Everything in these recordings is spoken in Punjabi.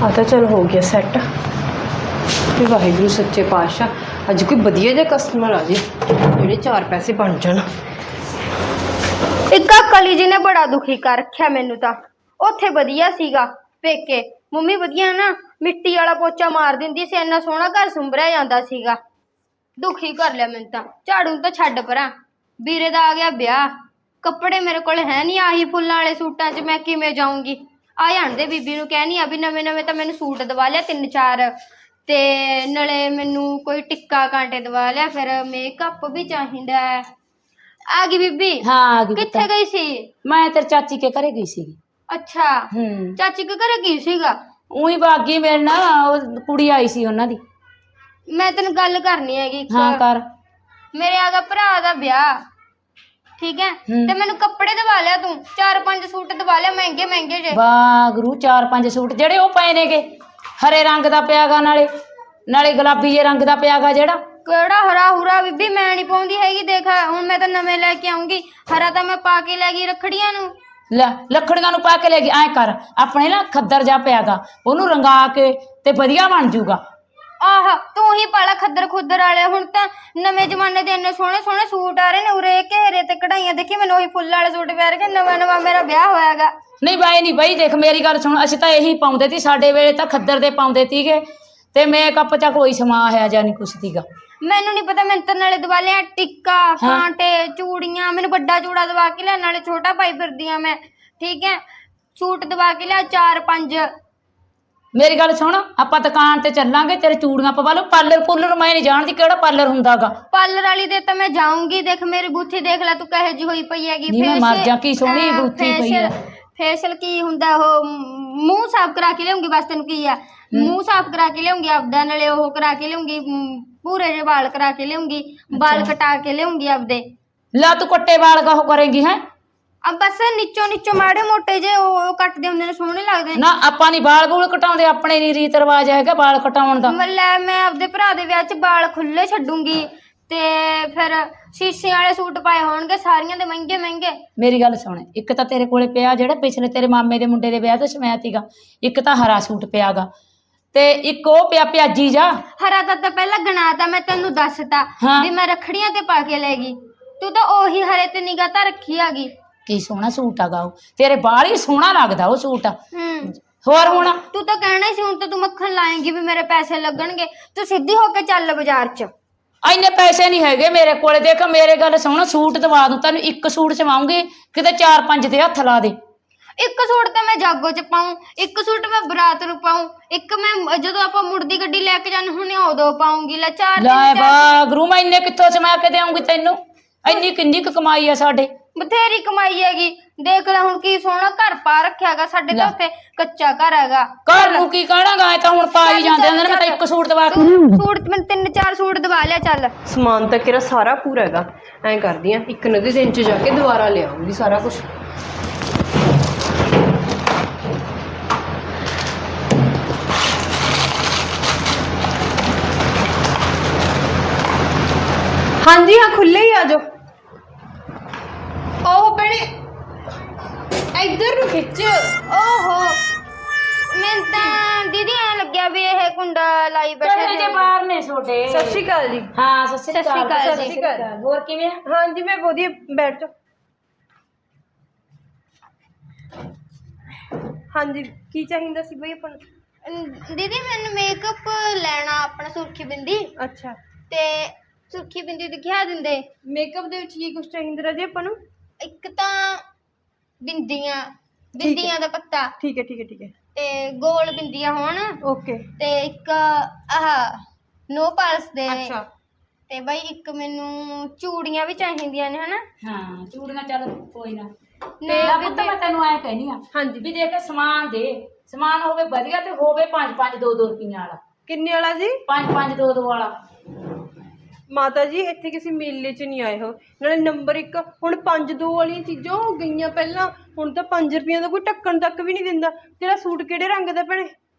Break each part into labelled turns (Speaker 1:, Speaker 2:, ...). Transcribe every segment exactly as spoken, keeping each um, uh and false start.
Speaker 1: आ तो चल हो गया सैट। ते वाहिगुरू सच्चे पातशाह अज कोई वधिया जिहा कस्टमर आ जे जेह्ड़े चार पैसे बन जाण।
Speaker 2: एक कली जी ने बड़ा दुखी कर रखा मैनू तो उत्थे वधिया सीगा पेके मम्मी वधिया ना मिट्टी वाला पोचा मार दिंदी सी इन्ना सोहना घर सुंभरिया जांदा सीगा। दुखी कर लिया मैनू तो झाड़ू तो छड्ड परां वीरे दा आ गया ब्याह कपड़े मेरे कोल है नहीं आही फुल्लां वाले सूटां च मैं किवें जाऊंगी। आ जाण दे बीबी नूं कहनी आ भी नवें नवें तो मैनू सूट दवा लिया तीन चार ते नाले मैनू कोई टिक्का कांटे दवा लिया फिर मेकअप भी चाहिदा है। आ गई बीबी।
Speaker 3: हाँ आ गई।
Speaker 2: कित्थे गई सी?
Speaker 3: मैं तेरे चाची के घरे गई सी।
Speaker 2: अच्छा
Speaker 3: हम्म
Speaker 2: चाची के घरे की सीगा?
Speaker 3: उही बागी मेरे ना कुड़ी आई सी उन्हां दी।
Speaker 2: मैं तेन गल करनी हैगी।
Speaker 3: हाँ कर।
Speaker 2: मेरे आगा भरा दा ब्याह ठीक है ते मैनू कपड़े दवा लिया तू चार पांच सूट दवा लिया महंगे महंगे जे।
Speaker 3: वाह गुरु चार पांच सूट जेड़े ओ पए नेगे हरे रंग दा पियागा नाले नाले गुलाबी जे रंग दा पियागा जेड़ा
Speaker 2: केड़ा हरा हुरा बीबी मैं नहीं पाउंदी हैगी। देख हुण मैं तो नवे लेके आऊंगी हरा तो मैं पा के लै गई रखड़ियां नू।
Speaker 3: ਲੈ ਲੱਖੜੀਆਂ ਨੂੰ ਪਾ ਕੇ ਲੈ ਗਈ ਐ ਕਰ ਆਪਣੇ ਨਾ ਖੱਦਰ ਜਾ ਪਿਆਗਾ ਉਹਨੂੰ ਰੰਗਾ ਕੇ ਤੇ ਵਧੀਆ ਬਣ ਜੂਗਾ।
Speaker 2: ਆਹ ਤੂੰ ਹੀ ਪਾਲਾ ਖੱਦਰ ਖੁੱਦਰ ਵਾਲੇ ਹੁਣ ਤਾਂ ਨਵੇਂ ਜ਼ਮਾਨੇ ਦੇ ਇੰਨੇ ਸੋਹਣੇ ਸੋਹਣੇ ਸੂਟ ਆ ਰਹੇ ਨੇ ਉਰੇ ਘੇਰੇ ਤੇ ਕਢਾਈਆਂ ਦੇਖੀ ਮੈਨੂੰ ਉਹੀ ਫੁੱਲ ਵਾਲੇ ਸੂਟ ਪਿਆਰ ਕੇ ਨਵਾਂ ਨਵਾਂ ਮੇਰਾ ਵਿਆਹ ਹੋਇਆਗਾ।
Speaker 3: ਨਹੀਂ ਬਾਈ ਨਹੀਂ ਬਾਈ ਦੇਖ ਮੇਰੀ ਗੱਲ ਸੁਣ ਅਸੀਂ ਤਾਂ ਇਹੀ ਪਾਉਂਦੇ ਤੀ ਸਾਡੇ ਵੇਲੇ ਤਾਂ ਖੱਦਰ ਦੇ ਪਾਉਂਦੇ ਤੀਗੇ ਤੇ ਮੇਕਅਪ ਚ ਕੋਈ ਸਮਾ ਹੈ ਜਾਂ ਨਹੀਂ ਕੁਛ ਤੀਗਾ।
Speaker 2: ਮੈਨੂੰ ਨਹੀਂ ਪਤਾ ਮੈਂ ਤਾਂ ਨਾਲੇ ਦਵਾ ਲਿਆ ਟਿੱਕਾ ਕਾਂਟੇ ਚੂੜੀਆਂ ਮੈਨੂੰ ਵੱਡਾ ਚੂੜਾ ਦਵਾ ਕੇ ਲਿਆ ਨਾਲੇ ਛੋਟਾ ਪਾਈ ਫਿਰਦੀ ਆ ਮੈਂ ਠੀਕ ਹੈ ਸੂਟ ਦਵਾ ਕੇ ਲਿਆ ਚਾਰ ਪੰਜ।
Speaker 3: ਮੇਰੀ ਗੱਲ ਸੁਣ ਆਪਾਂ ਦੁਕਾਨ ਤੇ ਚੱਲਾਂਗੇ ਤੇਰੇ ਚੂੜੀਆਂ ਪਵਾ ਲਓ ਪਾਰਲਰ ਪੂਲਰ ਮੈਂ ਨਹੀਂ ਜਾਣਦੀ ਕਿਹੜਾ ਪਾਰਲਰ ਹੁੰਦਾਗਾ।
Speaker 2: ਪਾਰਲਰ ਵਾਲੀ ਦੇ ਤਾਂ ਮੈਂ ਜਾਊਂਗੀ ਦੇਖ ਮੇਰੀ ਬੂਥੀ ਦੇਖ ਲੈ ਤੂੰ ਕਹੇ ਜੀ ਹੋਈ ਪਈ ਹੈਗੀ।
Speaker 3: ਨਹੀਂ ਮੈਂ ਮਰ ਜਾ ਕੀ ਸੋਹਣੀ ਬੂਥੀ ਪਈ ਹੈ।
Speaker 2: ਫੇਸ਼ੀਅਲ ਕੀ ਹੁੰਦਾ ਉਹ ਮੂੰਹ ਸਾਫ਼ ਕਰਾ ਕੇ ਲਿਆਉਂਗੀ ਬਸ ਤੈਨੂੰ ਕੀ ਆ ਮੂੰਹ ਸਾਫ਼ ਕਰਾ ਕੇ ਲਿਆਉਂਗੀ ਆਪਦਾ ਨਾਲੇ ਉਹ ਕਰਾ ਕੇ ਲਿਆਉਂਗੀ ਪੂਰੇ ਜਿਹੇ ਵਾਲ ਕਰਾ ਕੇ ਲਿਆਉਂਗੀ ਵਾਲ ਕਟਾ ਕੇ ਲਿਆਉਂਗੀ ਆਪਦੇ।
Speaker 3: ਲਾ ਤੂੰ ਕੱਟੇ ਵਾਲ ਕਾ ਉਹ ਕਰੇਂਗੀ ਹੈ
Speaker 2: अब बस नीचों नीचों माड़े मोटे जे कटदे हुंदे ने सोहणे लगदे
Speaker 3: ना आपां नी बाल बूल कटाउंदे अपने नी रीत रिवाज हैगा बाल कटाउण दा।
Speaker 2: मतलब मैं आपदे भरा दे विआह च बाल खुले छड्डूंगी ते फिर शीशे वाले सूट पाए होणगे सारियां दे महंगे महंगे।
Speaker 3: मेरी गल सुण एक तां तेरे कोले पिया जेड़ा पिछले तेरे मामे दे मुंडे दे विआह ते समाया तीगा एक तां हरा सूट पियागा ते एक ओ पिया प्याजी जा।
Speaker 2: हरा तां तां पहला गणाता मैं तैनू दसता भी मैं रखड़ियां ते पा के ले गई तू तां ओही हरे ते निगाह तां रखी आगी।
Speaker 3: की सोहना सूट आगा तेरे बाल ही सोहना लगदा वो सूट।
Speaker 2: हम्म
Speaker 3: होर हुण
Speaker 2: तू तो कहना सी हुण तो तू मक्खन लाएंगी भी मेरे पैसे लगणगे तू सीधी होके चल बाजार च।
Speaker 3: इन्ने पैसे नहीं हैगे मेरे कोले देख मेरे गल सुण सूट दवा दूं तैनूं एक सूट सवाऊंगी किते चार पंज ते हत्थ ला दे।
Speaker 2: एक सूट तो मैं जागो च पाऊं एक सूट मैं बरात नूं पाऊं एक मैं जदों आपां मुड़दी गड्डी लैके जाने हुणे उदों पाऊंगी। ले चार
Speaker 3: ले वागरू मैं इन्ने कित्थों समा के देऊंगी तैनूं इन्नी किन्नी क कमाई है साडे
Speaker 2: बथेरी कमाई हैगी। देख ले हुण की सोहना घर पा रखियागा साडे तो उत्थे कच्चा घर हैगा।
Speaker 3: घर नूं की कहणागा ऐ तां हुण पा ही जांदे ने मैं तां एक सूट दवा के
Speaker 2: सूट मैं तीन चार सूट दवा लिया चल।
Speaker 1: समान तक तेरा सारा पूरा हैगा ऐ करदी आ एक नदी दिन च जाके दोबारा ले आऊंगी सारा कुछ। हाँ जी हाँ खुले ही आ जाओ। ओह भैने इधर नु खिच।
Speaker 2: ओहो मैं तां दीदी ऐ लग्या भी ये कुंडा लाई बैठे
Speaker 3: जे बाहर ने छोटे।
Speaker 1: सत श्री अकाल जी।
Speaker 3: हाँ सत श्री अकाल
Speaker 2: सत
Speaker 1: श्री अकाल।
Speaker 3: होर किवें?
Speaker 1: हाँ जी मैं वधिया बैठ जाओ। हाँ जी की चाहिदा सी बई अपन
Speaker 2: दीदी मैंने मेकअप लेना अपना सुर्खी बिंदी।
Speaker 1: अच्छा
Speaker 2: ते सुर्खी बिंदी दिखा दिंदे
Speaker 1: मेकअप दे विच की कुछ चाहिदा जी अपन नूं?
Speaker 2: एक तां बिंदियां बिंदियां दा पत्ता
Speaker 1: ठीक है ठीक है ठीक है
Speaker 2: ते गोल बिंदियां होण
Speaker 1: ओके
Speaker 2: ते एक आह नो पाल्स दे।
Speaker 1: अच्छा
Speaker 2: ते बई एक मैनू चूड़ियां भी चाहिदियां ने हना।
Speaker 3: हाँ चूड़ियां चल कोई ना
Speaker 2: ना
Speaker 3: पुत्त मैं तैनूं ऐ कहनी आ
Speaker 1: हाँ जी
Speaker 3: भी देख समान दे समान होवे वधिया ते होवे पांच पांच दो दो रुपइयां वाला।
Speaker 1: किन्ने वाला जी?
Speaker 3: पांच पांच दो दो वाला।
Speaker 1: माता जी इत्थे किसी मेले च नहीं आए हो नाले नंबर एक हुण पांच दो वाली चीज़ां हो गईयां पहलां हुण तां पांच रुपइयां दा कोई ढक्कन तक भी नहीं दिंदा। तेरा सूट किहड़े रंग दा भैणे?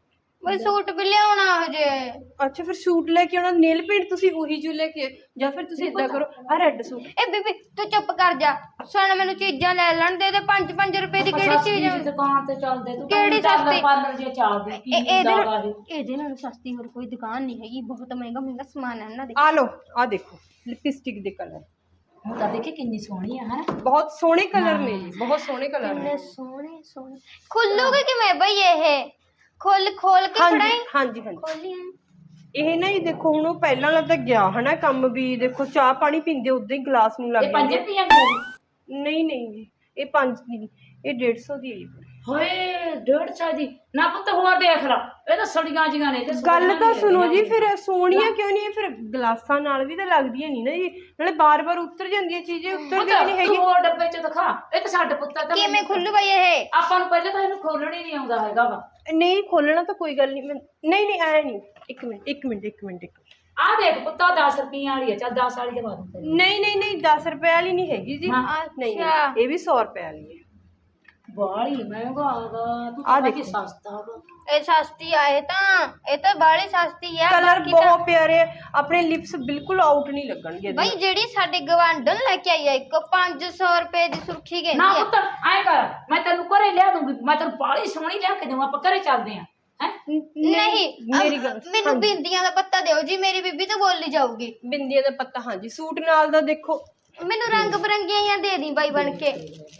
Speaker 2: ਬਈ ਸੂਟ ਵੀ ਲਿਆਉਣਾ ਹਜੇ।
Speaker 1: ਅੱਛਾ ਫਿਰ ਸੂਟ ਲੈ ਕੇ ਆਉਣਾ, ਨੇਲ ਪੇਂਟ ਤੁਸੀਂ ਉਹੀ ਜੋ ਲੈ ਕੇ, ਜਾਂ ਫਿਰ ਤੁਸੀਂ ਇਦਾਂ ਕਰੋ ਆ ਰੈੱਡ ਸੂਟ।
Speaker 2: ਇਹ ਬੀਬੀ ਤੂੰ ਚੁੱਪ ਕਰ ਜਾ, ਸੁਣ ਮੈਨੂੰ ਚੀਜ਼ਾਂ ਲੈ ਲੈਣ ਦੇ। ਤੇ ਪੰਜ ਪੰਜ ਰੁਪਏ ਦੀ ਕਿਹੜੀ ਚੀਜ਼ ਆ?
Speaker 3: ਦੁਕਾਨ ਤੇ ਚੱਲਦੇ ਤੂੰ
Speaker 2: ਕਿਹੜੀ ਸਸਤੀ?
Speaker 3: ਪਾਰਲਰ ਜੇ ਚੱਲਦੀ ਕੀ
Speaker 2: ਇਹ- ਇਹਦੇ
Speaker 3: ਹੁੰਦਾ
Speaker 2: ਨਾਲ
Speaker 3: ਇਹ
Speaker 2: ਇਹਦੇ ਨਾਲ ਸਸਤੀ ਹੋਰ ਕੋਈ ਦੁਕਾਨ ਨਹੀਂ ਹੈਗੀ, ਬਹੁਤ ਮਹਿੰਗਾ ਮਹਿੰਗਾ ਸਮਾਨ ਹੈ ਇਹਨਾਂ ਦੇ।
Speaker 1: ਆ ਲਓ ਆ ਦੇਖੋ ਲਿਪਸਟਿਕ ਦੇ ਕਲਰ,
Speaker 3: ਹੁਣ ਤਾਂ ਦੇਖੀ ਕਿੰਨੀ ਸੋਹਣੀ ਆ ਹਨਾ।
Speaker 1: ਬਹੁਤ ਸੋਹਣੇ ਕਲਰ ਨੇ ਜੀ, ਬਹੁਤ ਸੋਹਣੇ ਕਲਰ ਨੇ।
Speaker 2: ਕਿੰਨੇ ਸੋਹਣੇ ਸੋਹਣੇ। ਖੁੱਲੂਗੇ ਕਿਵੇਂ ਬਈ ਇਹ? ਖੋਲ ਖੋਲ ਕੇ
Speaker 1: ਹਾਂਜੀ
Speaker 2: ਫੜਾਈ।
Speaker 1: ਹਾਂਜੀ ਹਾਂਜੀ
Speaker 2: ਖੋਲੀ
Speaker 1: ਇਹ ਨਾ ਜੀ ਦੇਖੋ ਹੁਣ ਉਹ ਪਹਿਲਾਂ ਵਾਲਾ ਤਾਂ ਗਿਆ ਹਨਾ ਕੰਮ ਵੀ, ਦੇਖੋ ਚਾਹ ਪਾਣੀ ਪੀਂਦੇ ਉਦਾਂ ਹੀ ਗਲਾਸ ਨੂੰ ਲੱਗ
Speaker 3: ਇਹ ਪੰਜ
Speaker 1: ਜਾਂਦੇ।
Speaker 3: ਰੁਪਈਆ ਦੀ
Speaker 1: ਨਹੀਂ ਨਹੀਂ ਜੀ ਇਹ ਪੰਜ ਦੀ ਨੀ, ਇਹ ਡੇਢ ਸੌ ਦੀ ਹੈ ਜੀ।
Speaker 3: ਹੋਏ ਡੇਢ ਸੌ ਦੀ ਨਾ ਪੁੱਤ ਹੋਰ ਦੇਖ ਲਾ, ਇਹ ਤਾਂ ਸੜੀਆਂ ਜੀਆਂ ਨੇ ਤੇ
Speaker 1: ਗੱਲ ਤਾਂ ਸੁਣੋ ਜੀ, ਫਿਰ ਸੋਹਣੀਆਂ ਕਿਉਂ ਨਹੀਂ? ਫਿਰ ਗਲਾਸਾਂ ਨਾਲ ਵੀ ਤਾਂ ਲੱਗਦੀਆਂ ਨਹੀਂ ਨਾ ਜੀ, ਨਾਲੇ ਬਾਰ-ਬਾਰ ਉਤਰ ਜਾਂਦੀਆਂ ਚੀਜ਼ਾਂ, ਉਤਰਦੀਆਂ ਨਹੀਂ ਹੈਗੀ।
Speaker 3: ਹੋਰ ਡੱਬੇ ਚ ਦਿਖਾ, ਇਹ ਤਾਂ ਛੱਡ ਪੁੱਤ ਤਾਂ
Speaker 2: ਕਿਵੇਂ ਖੁੱਲੂ ਬਈ ਇਹ?
Speaker 3: ਆਪਾਂ ਨੂੰ ਪਹਿਲਾਂ ਤਾਂ ਇਹਨੂੰ ਖੋਲਣਾ ਹੀ ਨਹੀਂ ਆਉਂਦਾ ਹੈਗਾ ਵਾ।
Speaker 1: ਨਹੀਂ ਖੋਲਣਾ ਤਾਂ ਕੋਈ ਗੱਲ ਨਹੀਂ, ਮੈਂ ਨਹੀਂ ਨਹੀਂ ਐ ਨਹੀਂ, ਇੱਕ ਮਿੰਟ ਇੱਕ ਮਿੰਟ ਇੱਕ ਮਿੰਟ ਇੱਕ ਮਿੰਟ।
Speaker 3: ਆਹ ਦੇਖ ਪੁੱਤਾ ਦਸ ਰੁਪਈਆਂ ਵਾਲੀ ਆ, ਚੱਲ ਦਸ ਵਾਲੀ ਦਵਾ ਦੂੰ ਤੈਨੂੰ।
Speaker 1: ਨਹੀਂ ਨਹੀਂ ਨਹੀਂ ਦਸ ਰੁਪਏ ਵਾਲੀ ਨਹੀਂ ਹੈਗੀ ਜੀ,
Speaker 3: ਹਾਂ,
Speaker 1: ਨਹੀਂ
Speaker 2: ਅੱਛਾ।
Speaker 1: ਇਹ ਵੀ ਸੌ ਰੁਪਏ ਵਾਲੀ ਹੈ।
Speaker 3: ਬਾਹਲੀ ਮਹਿੰਗਾ ਹੈਗਾ, ਤੂੰ
Speaker 1: ਆਹ
Speaker 3: ਤਾਂ
Speaker 1: ਦੇਖੋ।
Speaker 3: ਸਸਤਾ ਹੈਗਾ।
Speaker 2: ਇਹ ਸਸਤੀ ਆ, ਇਹ ਤਾਂ ਇਹ ਤਾਂ ਬਾਹਲੀ ਸਸਤੀ ਆ।
Speaker 1: ਕਲਰ
Speaker 2: ਬਾਕੀ ਤਾਂ
Speaker 1: ਬਹੁਤ ਪਿਆਰੇ ਆ, ਆਪਣੇ ਲਿਪਸ ਬਿਲਕੁਲ ਆਊਟ ਨਹੀਂ ਲੱਗਣਗੇ ਇਹਦੇ
Speaker 2: ਬਈ
Speaker 1: ਨਾਲ।
Speaker 2: ਜਿਹੜੀ ਸਾਡੇ ਗਵਾਂਢਣ ਲੈ ਕੇ ਆਈ ਆ ਇੱਕ ਪੰਜ ਸੌ ਰੁਪਏ ਦੀ ਸੁਰਖੀ
Speaker 3: ਨਾ
Speaker 2: ਕਹਿੰਦੀ ਆ।
Speaker 3: ਪੁੱਤ ਐਂ ਕਰ, ਮੈਂ ਤੈਨੂੰ ਘਰੇ ਲਿਆ ਦੂੰਗੀ, ਮੈਂ ਤੈਨੂੰ ਬਾਹਲੀ ਸੋਹਣੀ ਲਿਆ ਕੇ ਦੇਵਾਂ, ਆਪਾਂ ਘਰੇ ਚੱਲਦੇ ਆਂ ਹੈ।
Speaker 2: ਨਹੀਂ
Speaker 1: ਮੇਰੀ
Speaker 2: ਅਮ,
Speaker 1: ਗੱਲ
Speaker 2: ਮੈਨੂੰ ਬਿੰਦੀਆਂ ਦਾ ਪੱਤਾ ਦਿਓ ਜੀ, ਮੇਰੀ ਬੀਬੀ ਤਾਂ ਬੋਲੀ ਜਾਊਗੀ।
Speaker 1: ਬਿੰਦੀਆਂ ਦਾ ਪੱਤਾ ਹਾਂਜੀ, ਸੂਟ ਨਾਲ ਦਾ ਦੇਖੋ।
Speaker 2: ਮੈਨੂੰ ਰੰਗ ਬਰੰਗੀਆਂ ਜਾਂ ਦੇ ਦੀ ਬਾਈ ਬਣ ਕੇ।